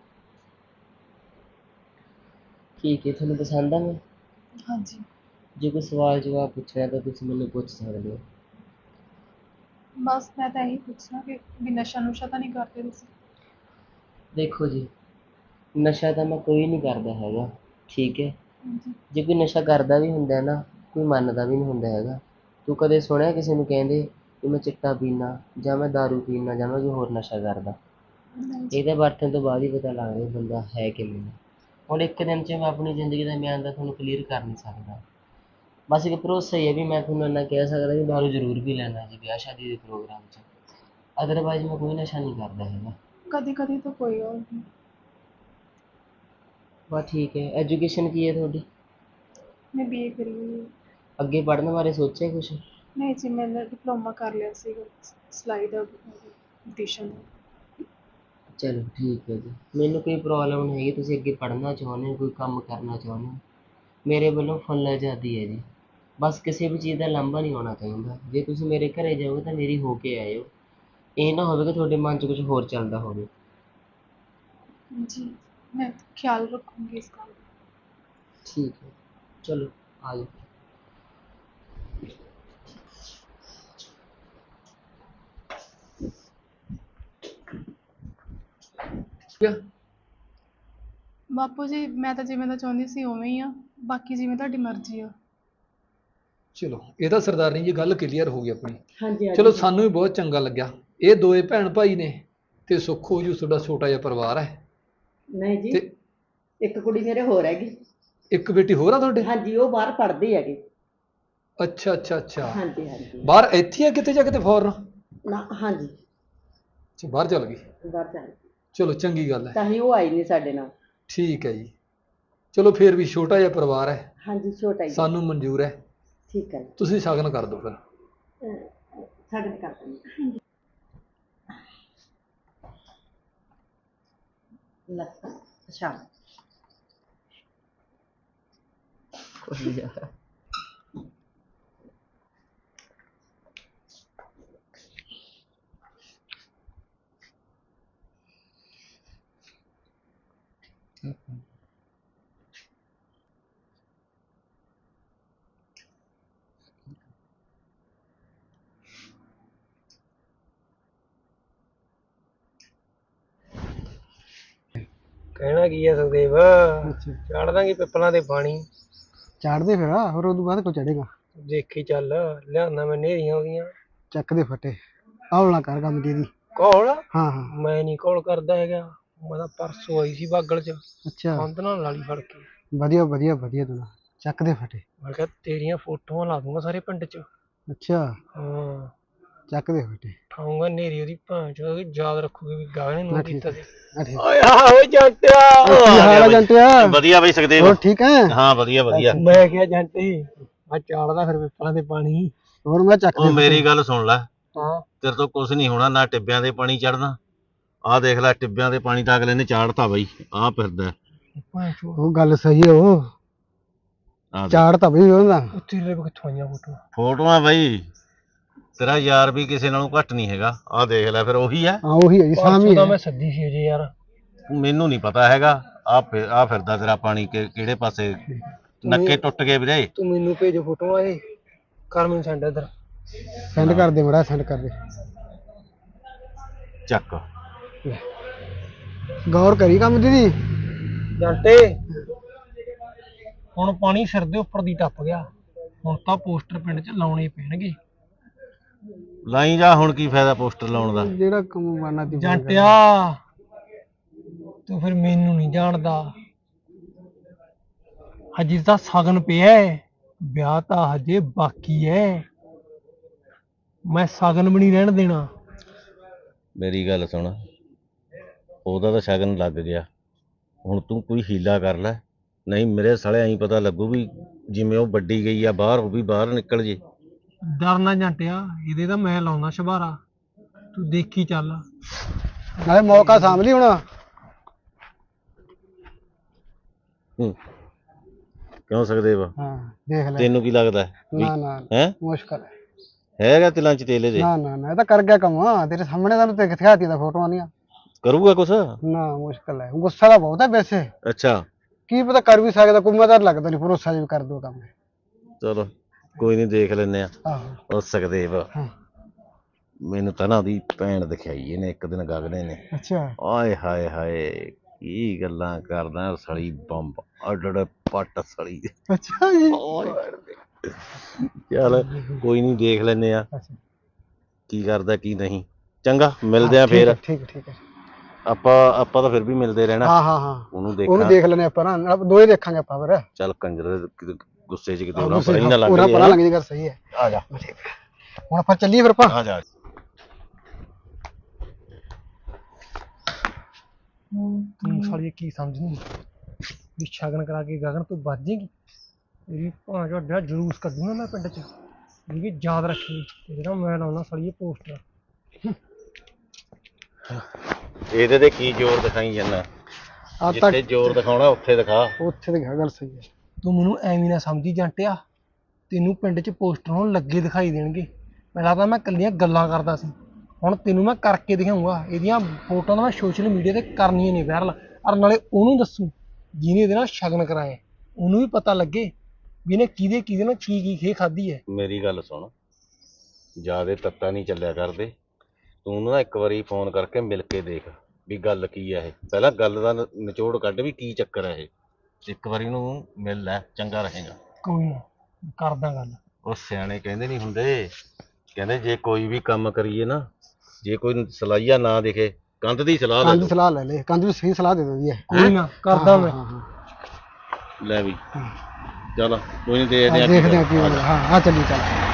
ਠੀਕ ਹੈ, ਤੁਹਾਨੂੰ ਪਸੰਦ ਆ ਮੈਂ? ਹਾਂਜੀ। ਜੇ ਕੋਈ ਸਵਾਲ ਜਵਾਬ ਪੁੱਛਣਾ ਤਾਂ ਤੁਸੀਂ ਮੈਨੂੰ ਪੁੱਛ ਸਕਦੇ ਹੋ। ਬਸ ਮੈਂ ਤਾਂ ਇਹੀ ਪੁੱਛਣਾ ਕਿ ਵੀ ਨਸ਼ਾ ਨੁਸ਼ਾ ਤਾਂ ਨਹੀਂ ਕਰਦੇ ਤੁਸੀਂ? ਦੇਖੋ ਜੀ, ਨਸ਼ਾ ਤਾਂ ਮੈਂ ਕੋਈ ਨਹੀਂ ਕਰਦਾ ਹੈਗਾ, ਠੀਕ ਹੈ। ਹਾਂਜੀ। ਜੇ ਕੋਈ ਨਸ਼ਾ ਕਰਦਾ ਵੀ ਹੁੰਦਾ ਨਾ, ਕੋਈ ਮੰਨਦਾ ਵੀ ਨਹੀਂ ਹੁੰਦਾ ਹੈਗਾ। ਤੂੰ ਕਦੇ ਸੁਣਿਆ ਕਿਸੇ ਨੂੰ ਕਹਿੰਦੇ ਕਿ ਮੈਂ ਚਿੱਟਾ ਪੀਨਾ ਜਾਂ ਮੈਂ ਦਾਰੂ ਪੀਨਾ ਜਾਂ ਮੈਂ ਕੋਈ ਹੋਰ ਨਸ਼ਾ ਕਰਦਾ? ਨਹੀਂ ਜੀ। ਇਹਦੇ ਵਰਤਣ ਤੋਂ ਬਾਅਦ ਹੀ ਪਤਾ ਲੱਗਦਾ ਵੀ ਬੰਦਾ ਹੈ ਕਿਵੇਂ। ਹੁਣ ਇੱਕ ਦਿਨ 'ਚ ਮੈਂ ਆਪਣੀ ਜ਼ਿੰਦਗੀ ਦਾ ਬਿਆਨ ਤਾਂ ਤੁਹਾਨੂੰ ਕਲੀਅਰ ਕਰ ਨਹੀਂ ਸਕਦਾ, ਬਸ ਇੱਕ ਭਰੋਸਾ ਹੀ ਹੈ ਵੀ ਮੈਂ ਤੁਹਾਨੂੰ ਇੰਨਾ ਕਹਿ ਸਕਦਾ ਵੀ ਦਾਰੂ ਜ਼ਰੂਰ ਪੀ ਲੈਂਦਾ ਜੀ ਵਿਆਹ ਸ਼ਾਦੀ ਦੇ ਪ੍ਰੋਗਰਾਮ 'ਚ। ਅਦਰਵਾਈਜ਼ ਮੈਂ ਕੋਈ ਨਸ਼ਾ ਨਹੀਂ ਕਰਦਾ ਹੈਗਾ। ਕਦੀ ਕਦੀ ਤਾਂ ਕੋਈ ਹੋਰ ਨਹੀਂ। ਬਸ ਠੀਕ ਹੈ। ਐਜੂਕੇਸ਼ਨ ਕੀ ਹੈ ਤੁਹਾਡੀ? ਮੈਂ ਬੀਏ ਕਰੀ ਹੋਈ ਹੈ। ਅੱਗੇ ਪੜ੍ਹਨ ਬਾਰੇ ਸੋਚਿਆ ਕੁਛ? ਨਹੀਂ ਜੀ, ਮੈਂ ਡਿਪਲੋਮਾ ਕਰ ਲਿਆ ਸੀਗਾ ਸਿਲਾਈ ਦਾ, ਬਿਊਟੀਸ਼ਨ ਦਾ। ਚਲੋ ਠੀਕ ਹੈ ਜੀ, ਮੈਨੂੰ ਕੋਈ ਪ੍ਰੋਬਲਮ ਨਹੀਂ ਹੈਗੀ। ਤੁਸੀਂ ਅੱਗੇ ਪੜ੍ਹਨਾ ਚਾਹੁੰਦੇ ਹੋ, ਕੋਈ ਕੰਮ ਕਰਨਾ ਚਾਹੁੰਦੇ ਹੋ, ਮੇਰੇ ਵੱਲੋਂ ਫੁੱਲ ਆਜ਼ਾਦੀ ਹੈ ਜੀ। ਬਸ ਕਿਸੇ ਵੀ ਚੀਜ਼ ਦਾ ਲਾਂਭਾ ਨਹੀਂ ਆਉਣਾ ਚਾਹੀਦਾ। ਜੇ ਤੁਸੀਂ ਮੇਰੇ ਘਰੇ ਜਾਓਗੇ ਤਾਂ ਮੇਰੀ ਹੋ ਕੇ ਆਇਓ। ਇਹ ਨਾ ਹੋਵੇ ਕਿ ਤੁਹਾਡੇ ਮਨ 'ਚ ਕੁਝ ਹੋਰ ਚੱਲਦਾ ਹੋਵੇ। ਜੀ, ਮੈਂ ਖਿਆਲ ਰੱਖੂੰਗੀ ਇਸ ਗੱਲ ਦਾ। ਠੀਕ ਹੈ, ਚਲੋ ਆ ਜਾਓ। ਬਾਪੂ ਜੀ, ਮੈਂ ਤਾਂ ਜਿਵੇਂ ਦਾ ਚਾਹੁੰਦੀ ਸੀ ਉਵੇਂ ਹੀ ਆ, ਬਾਕੀ ਜਿਵੇਂ ਤੁਹਾਡੀ ਮਰਜ਼ੀ ਆ। ਚਲੋ ਇਹ ਤਾਂ ਸਰਦਾਰਨੀ ਜੀ ਗੱਲ ਕਲੀਅਰ ਹੋ ਗਈ ਆਪਣੀ। ਹਾਂਜੀ ਚਲੋ ਸਾਨੂੰ ਵੀ ਬਹੁਤ ਚੰਗਾ ਲੱਗਿਆ। ਇਹ ਦੋਏ ਭੈਣ ਭਾਈ ਨੇ ਤੇ ਸੁੱਖ ਹੋ ਜੂ ਤੁਹਾਡਾ ਛੋਟਾ ਜਿਹਾ ਪਰਿਵਾਰ ਹੈ। ਨਹੀਂ ਜੀ, ਤੇ ਇੱਕ ਕੁੜੀ ਮੇਰੇ ਹੋਰ ਹੈਗੀ। ਇੱਕ ਬੇਟੀ ਹੋਰ ਆ ਤੁਹਾਡੇ? ਹਾਂਜੀ, ਉਹ ਬਾਹਰ ਪੜ੍ਹਦੀ ਹੈਗੀ। ਅੱਛਾ ਅੱਛਾ ਅੱਛਾ। ਹਾਂਜੀ ਹਾਂਜੀ। ਬਾਹਰ ਇੱਥੇ ਆ ਕਿਤੇ ਜਾਂ ਕਿਤੇ ਫੋਰਨ? ਨਾ ਹਾਂਜੀ, ਅੱਛਾ, ਬਾਹਰ ਚਲ ਗਈ। ਬਾਹਰ ਚੱਲ ਚਲੋ ਚੰਗੀ ਗੱਲ ਹੈ। ਤਾਂ ਹੀ ਉਹ ਆਈ ਨਹੀਂ ਸਾਡੇ ਨਾਲ। ਠੀਕ ਹੈ ਜੀ। ਚਲੋ ਫੇਰ ਵੀ ਛੋਟਾ ਜਿਹਾ ਪਰਿਵਾਰ ਹੈ, ਹਾਂਜੀ, ਛੋਟਾ ਹੀ ਹੈ। ਸਾਨੂੰ ਮਨਜ਼ੂਰ ਹੈ। ਠੀਕ ਹੈ ਜੀ। ਤੁਸੀਂ ਸ਼ਗਨ ਕਰ ਦਿਓ ਫਿਰ। ਅਹ, ਸਾਡੇ ਨਾਲ ਕਰ ਦਿੰਦੇ। ਲੈ, ਅੱਛਾ। ਕੋਈ ਯਾਰ ਕਹਿਣਾ ਕੀ ਹੈ ਸੁਖਦੇਵ, ਚਾੜ ਦਾਂਗੇ ਪਿੱਪਲਾਂ ਦੇ ਪਾਣੀ। ਚਾੜਦੇ ਫਿਰ ਹੋਰ ਉਦੋਂ ਬਾਅਦ ਕੋ ਚੜੇਗਾ। ਦੇਖੀ ਚੱਲ, ਲਿਆਉਣਾ ਮੈਂ ਨੇਰੀਆਂ ਉਹਦੀਆਂ। ਚੱਕ ਦੇ ਫਟੇ ਆਉਣਾ ਕਰ ਕੰਮ ਦੀ ਦੀ। ਕੋਲ ਹਾਂ ਹਾਂ। ਮੈਂ ਨਹੀਂ ਕੋਲ ਕਰਦਾ ਹੈਗਾ। ਮੈਂ ਤਾਂ ਪਰਸੋਂ ਆਈ ਸੀ ਬਾਗਲ ਚ, ਅੱਛਾ, ਕੰਧ ਨਾਲ ਲਾਲੀ ਫੜ ਕੇ। ਵਧੀਆ ਵਧੀਆ ਵਧੀਆ ਤੂੰ ਚੱਕ ਦੇ ਫਟੇ। ਮੈਂ ਕਿਹਾ ਤੇਰੀਆਂ ਫੋਟੋਆਂ ਲਾ ਦੂੰਗਾ ਸਾਰੇ ਪਿੰਡ ਚ। ਅੱਛਾ, ਹਾਂ, ਚੱਕ ਦੇ ਫਟੇ। ਠਾਉਂਗਾ ਨੇਰੀ ਉਹਦੀ ਭਾਂ ਚ, ਉਹਦੀ ਯਾਦ ਰੱਖੂਗੀ ਵੀ ਗਾਣੇ ਨੂੰ ਕੀਤਾ ਸੀ। ਆ ਠੀਕ। ਓਏ ਹਾਂ ਓਏ ਜੰਟਿਆ, ਕੀ ਹਾਲ ਹੈ ਜੰਟਿਆ? ਵਧੀਆ ਬਈ ਸੁਖਦੇਵ। ਹੋਰ ਠੀਕ ਹੈ? ਹਾਂ ਵਧੀਆ ਵਧੀਆ। ਮੈਂ ਕਿਹਾ ਜੰਟੀ ਮੈਂ ਚਾੜਦਾ ਫਿਰ ਪਿੱਪਲਾਂ ਦੇ ਪਾਣੀ। ਹੋਰ ਮੈਂ ਚੱਕ ਦੇ ਉਹ ਮੇਰੀ ਗੱਲ ਸੁਣ ਲੈ, ਹਾਂ, ਤੇਰੇ ਤੋਂ ਕੁਝ ਨਹੀਂ ਹੋਣਾ, ਨਾ ਟਿੱਬਿਆਂ ਦੇ ਪਾਣੀ ਚੜਨਾ। ਆਹ ਦੇਖ ਲੈ, ਟਿੱਬਿਆਂ ਦੇ ਪਾਣੀ ਤਾਂ ਅਗਲੇ ਨੇ ਚਾੜਤਾ ਬਈ, ਆਹ ਫਿਰਦਾ। ਭਾਂ ਚੋ ਉਹ ਗੱਲ ਸਹੀ ਹੈ। ਉਹ ਆਹ ਦੇਖ। ਚਾੜ ਤਾਂ ਬਈ ਉਹਦਾ। ਉੱਥੇ ਲੈ ਕਿੱਥੋਂ ਆਈਆਂ ਫੋਟੋਆਂ? ਫੋਟੋਆਂ ਬਈ, ਤੇਰਾ ਯਾਰ ਵੀ ਕਿਸੇ ਨਾਲੋਂ ਘੱਟ ਨਹੀਂ ਹੈਗਾ। ਆਹ ਦੇਖ ਲੈ, ਫਿਰ ਉਹੀ ਹੈ। ਹਾਂ ਉਹੀ ਹੈ ਜੀ, ਸਾਮੀ ਪਰਸੋਂ ਤਾਂ ਹੈ। ਮੈਂ ਸੱਦੀ ਸੀ ਅਜੇ ਯਾਰ। ਮੈਨੂੰ ਨਹੀਂ ਪਤਾ ਹੈਗਾ। ਆਹ ਫਿਰ ਆਹ ਫਿਰਦਾ ਤੇਰਾ ਪਾਣੀ ਕਿ ਕਿਹੜੇ ਪਾਸੇ ਨੱਕੇ ਟੁੱਟ ਗਏ ਵੀਰੇ। ਤੂੰ ਮੈਨੂੰ ਭੇਜ ਫੋਟੋਆਂ ਇਹ, ਕਰ ਮੈਨੂੰ ਸੈਂਡ ਇੱਧਰ। ਸੈਂਡ ਕਰ ਦੇ ਮੜਾ, ਸੈਂਡ ਕਰ ਦੇ। ਚੱਕ। ਗੌਰ ਕਰੀ ਕੰਮ ਦੀ ਦੀ। ਜੰਟੇ ਹੁਣ ਪਾਣੀ ਸਿਰ ਦੇ ਉੱਪਰ ਦੀ ਟੱਪ ਗਿਆ। ਹੁਣ ਤਾਂ ਪੋਸਟਰ ਪਿੰਡ 'ਚ ਲਾਉਣੇ ਪੈਣਗੇ। ਲਾਈ ਜਾ, ਹੁਣ ਕੀ ਫਾਇਦਾ ਪੋਸਟਰ ਲਾਉਣ ਦਾ। ਜਿਹੜਾ ਕੰਮ ਬਾਨਾ ਤੀ ਜੰਟਿਆ ਤੂੰ ਫਿਰ ਮੈਨੂੰ ਨਹੀਂ ਜਾਣਦਾ। ਹਜੇ ਤਾਂ ਸ਼ਗਨ ਪਿਆ ਹੈ, ਵਿਆਹ ਤਾਂ ਹਜੇ ਬਾਕੀ ਹੈ। ਮੈਂ ਸ਼ਗਨ ਵੀ ਨਹੀਂ ਰਹਿਣ ਦੇਣਾ। ਮੇਰੀ ਗੱਲ ਸੁਣ, ਉਹਦਾ ਤਾਂ ਸ਼ਗਨ ਲੱਗ ਗਿਆ। ਹੁਣ ਤੂੰ ਕੋਈ ਹੀਲਾ ਕਰ ਲੈ, ਨਹੀਂ ਮੇਰੇ ਸਾਲੇ ਐਂ ਪਤਾ ਲੱਗੂ ਵੀ ਜਿਵੇਂ ਉਹ ਵੱਡੀ ਗਈ ਆ ਬਾਹਰ, ਉਹ ਵੀ ਬਾਹਰ ਨਿਕਲ ਜੇ। ਡਰਨਾ ਜੰਟਿਆ, ਇਹਦੇ ਤਾਂ ਮੈਂ ਲਾਉਂਦਾ ਸ਼ਬਾਰਾ, ਤੂੰ ਦੇਖੀ ਚੱਲ। ਨਾਲੇ ਮੌਕਾ ਸਾਂਭ ਲਈ ਹੁਣ। ਹੂੰ, ਕਿਉਂ ਸੁਖਦੇਵ, ਹਾਂ ਦੇਖ ਲੈ। ਤੈਨੂੰ ਕੀ ਲੱਗਦਾ ਨਾ ਨਾ ਹੈ? ਮੁਸ਼ਕਲ ਹੈ। ਹੈਗਾ ਤਿਲਾਂ ਚ ਤੇਲੇ ਦੇ? ਨਾ ਨਾ ਨਾ, ਇਹ ਤਾਂ ਕਰ ਗਿਆ ਕੰਮ। ਤੇਰੇ ਸਾਹਮਣੇ ਤਾਂ ਤੇ ਦਿਖਾਤੀ ਦਾ ਫੋਟੋਆਂ ਦੀਆਂ। ਕਰੂਗਾ ਕੁਛ? ਨਾ ਮੁਸ਼ਕਲ ਹੈ, ਗੁੱਸਾ ਤਾਂ ਬਹੁਤ ਹੈ ਵੈਸੇ। ਅੱਛਾ, ਕੀ ਪਤਾ ਕਰ ਵੀ ਸਕਦਾ ਕੋਈ, ਮੈਂ ਤਾਂ ਲੱਗਦਾ ਨਹੀਂ ਭਰੋਸਾ ਜੀ ਕਰ ਦੋ ਕੰਮ। ਚਲੋ ਕੋਈ ਨਹੀਂ, ਦੇਖ ਲੈਨੇ ਆ। ਆਹੋ ਉਹ ਸੁਖਦੇਵ, ਹਾਂ। ਮੈਨੂੰ ਤਾਂ ਨਾ ਉਹਦੀ ਭੈਣ ਦਿਖਾਈ ਇਹਨੇ ਇੱਕ ਦਿਨ ਗਗਨੇ ਨੇ। ਅੱਛਾ, ਆਏ ਹਾਏ ਹਾਏ, ਕੀ ਗੱਲਾਂ ਕਰਦਾ ਸਲੀ ਬੰਬ, ਅੱਡ ਪੱਟ ਸਲੀ। ਅੱਛਾ ਜੀ। ਚੱਲ ਕੋਈ ਨਹੀਂ, ਦੇਖ ਲੈਨੇ ਆ ਅੱਛਾ ਕੀ ਕਰਦਾ ਕੀ ਨਹੀਂ। ਚੰਗਾ, ਮਿਲਦੇ ਆ ਫੇਰ। ਠੀਕ ਹੈ, ਠੀਕ ਹੈ। ਆਪਾਂ ਆਪਾਂ ਤਾਂ ਫਿਰ ਵੀ ਮਿਲਦੇ ਰਹਿਣਾ। ਹਾਂ ਹਾਂ ਹਾਂ, ਉਹਨੂੰ ਉਹਨੂੰ ਦੇਖਣਾ। ਦੇਖ ਲੈਣੇ ਆਪਾਂ ਨਾ, ਦੋਏ ਦੇਖਾਂਗੇ ਆਪਾਂ ਫਿਰ। ਚੱਲ ਕੰਜਰ ਗੁੱਸੇ 'ਚ ਕਿਤੇ ਉਹਨਾਂ ਪਰ ਹੀ ਨਾ ਲੱਗ ਪੂਰਾ ਜੇ ਪਰਾਂ ਲੱਗ ਜੇ, ਗੱਲ ਸਹੀ ਹੈ। ਆ ਜਾ ਹੁਣ ਆਪਾਂ ਚੱਲੀਏ ਫਿਰ ਆਪਾਂ। ਆ ਜਾ ਤੂੰ ਸਾਲੀ ਕੀ ਸਮਝਣੀ ਵੀ ਸ਼ਗਨ ਕਰਾ ਕੇ ਗਗਨ ਤੂੰ ਬਚ ਜਾਏਗੀ? ਮੇਰੀ ਭਾਂ ਵੱਡਾ ਜਲੂਸ ਕੱਢੂਗਾ ਮੈਂ ਪਿੰਡ 'ਚ, ਵੀ ਯਾਦ ਰੱਖੀ ਜਿਹੜਾ ਮੈਂ ਲਾਉਣਾ ਸਾਲੀ ਇਹ ਪੋਸਟਰ। ਇਹਦੇ ਤੇ ਕੀ ਜ਼ੋਰ ਦਿਖਾਈ ਜਾਂਦਾ? ਆ ਤਾਂ ਜਿੱਥੇ ਜ਼ੋਰ ਦਿਖਾਉਣਾ ਉੱਥੇ ਦਿਖਾ। ਉੱਥੇ ਤੇ ਗੱਲ ਸਹੀ ਹੈ। ਤੂੰ ਮੈਨੂੰ ਐਵੇਂ ਨਾ ਸਮਝੀ ਜਾਂਟਿਆ, ਤੈਨੂੰ ਪਿੰਡ 'ਚ ਪੋਸਟਰ ਹੁਣ ਲੱਗੇ ਦਿਖਾਈ ਦੇਣਗੇ। ਪਹਿਲਾਂ ਤਾਂ ਮੈਂ ਇਕੱਲੀਆਂ ਗੱਲਾਂ ਕਰਦਾ ਸੀ, ਹੁਣ ਤੈਨੂੰ ਮੈਂ ਕਰਕੇ ਦਿਖਾਊਂਗਾ। ਇਹਦੀਆਂ ਫੋਟੋਆਂ ਮੈਂ ਸੋਸ਼ਲ ਮੀਡੀਆ ਤੇ ਕਰਨੀਆਂ ਨੇ ਵਾਇਰਲ, ਔਰ ਨਾਲੇ ਉਹਨੂੰ ਦੱਸੂ ਜਿਹਨੇ ਇਹਦੇ ਨਾਲ ਸ਼ਗਨ ਕਰਾਇਆ, ਉਹਨੂੰ ਵੀ ਪਤਾ ਲੱਗੇ ਵੀ ਇਹਨੇ ਕਿਹਦੇ ਕਿਹਦੇ ਨਾਲ ਕੀ ਕੀ ਖੇ ਖਾਧੀ ਹੈ। ਮੇਰੀ ਗੱਲ ਸੁਣ, ਜਿਆਦੇ ਤੱਤਾ ਨਹੀਂ ਚੱਲਿਆ ਕਰਦੇ। ਤੂੰ ਨਾ ਇੱਕ ਵਾਰੀ ਫੋਨ ਕਰਕੇ ਮਿਲ ਕੇ ਦੇਖ ਵੀ ਗੱਲ ਕੀ ਆ ਇਹ। ਪਹਿਲਾਂ ਗੱਲ ਦਾ ਨ- ਨਿਚੋੜ ਕੱਢ ਵੀ ਕੀ ਚੱਕਰ ਹੈ ਇਹ। ਇੱਕ ਵਾਰੀ ਨੂੰ ਮਿਲ ਲੈ, ਚੰਗਾ ਰਹੇਗਾ। ਕੋਈ ਨਾ ਕਰਦਾ ਗੱਲ। ਉਹ ਸਿਆਣੇ ਕਹਿੰਦੇ ਨਹੀਂ ਹੁੰਦੇ, ਕਹਿੰਦੇ ਜੇ ਕੋਈ ਵੀ ਕੰਮ ਕਰੀਏ ਨਾ, ਜੇ ਕੋਈ ਸਲਾਈਆ ਨਾ ਦਿਖੇ ਕੰਧ ਦੀ ਸਲਾਹ ਲੈ ਕੰਧ ਲਓ। ਸਲਾਹ ਲੈ ਲੈ, ਕੰਧ ਵੀ ਸਹੀ ਸਲਾਹ ਦੇ ਦਿੰਦੀ ਹੈ। ਕੋਈ ਨਾ ਕਰਦਾ ਮੈਂ। ਹਾਂ ਹਾਂ ਲੈ ਵੀ ਚੱਲ ਕੋਈ ਨਹੀਂ ਦੇਖਦੇ ਹਾਂ, ਆ ਕੀ ਦੇਖਦੇ ਹਾਂ ਕੀ ਬਣਦਾ। ਬਣਦਾ। ਹਾਂ ਆ ਚੱਲੀ ਚੱਲ।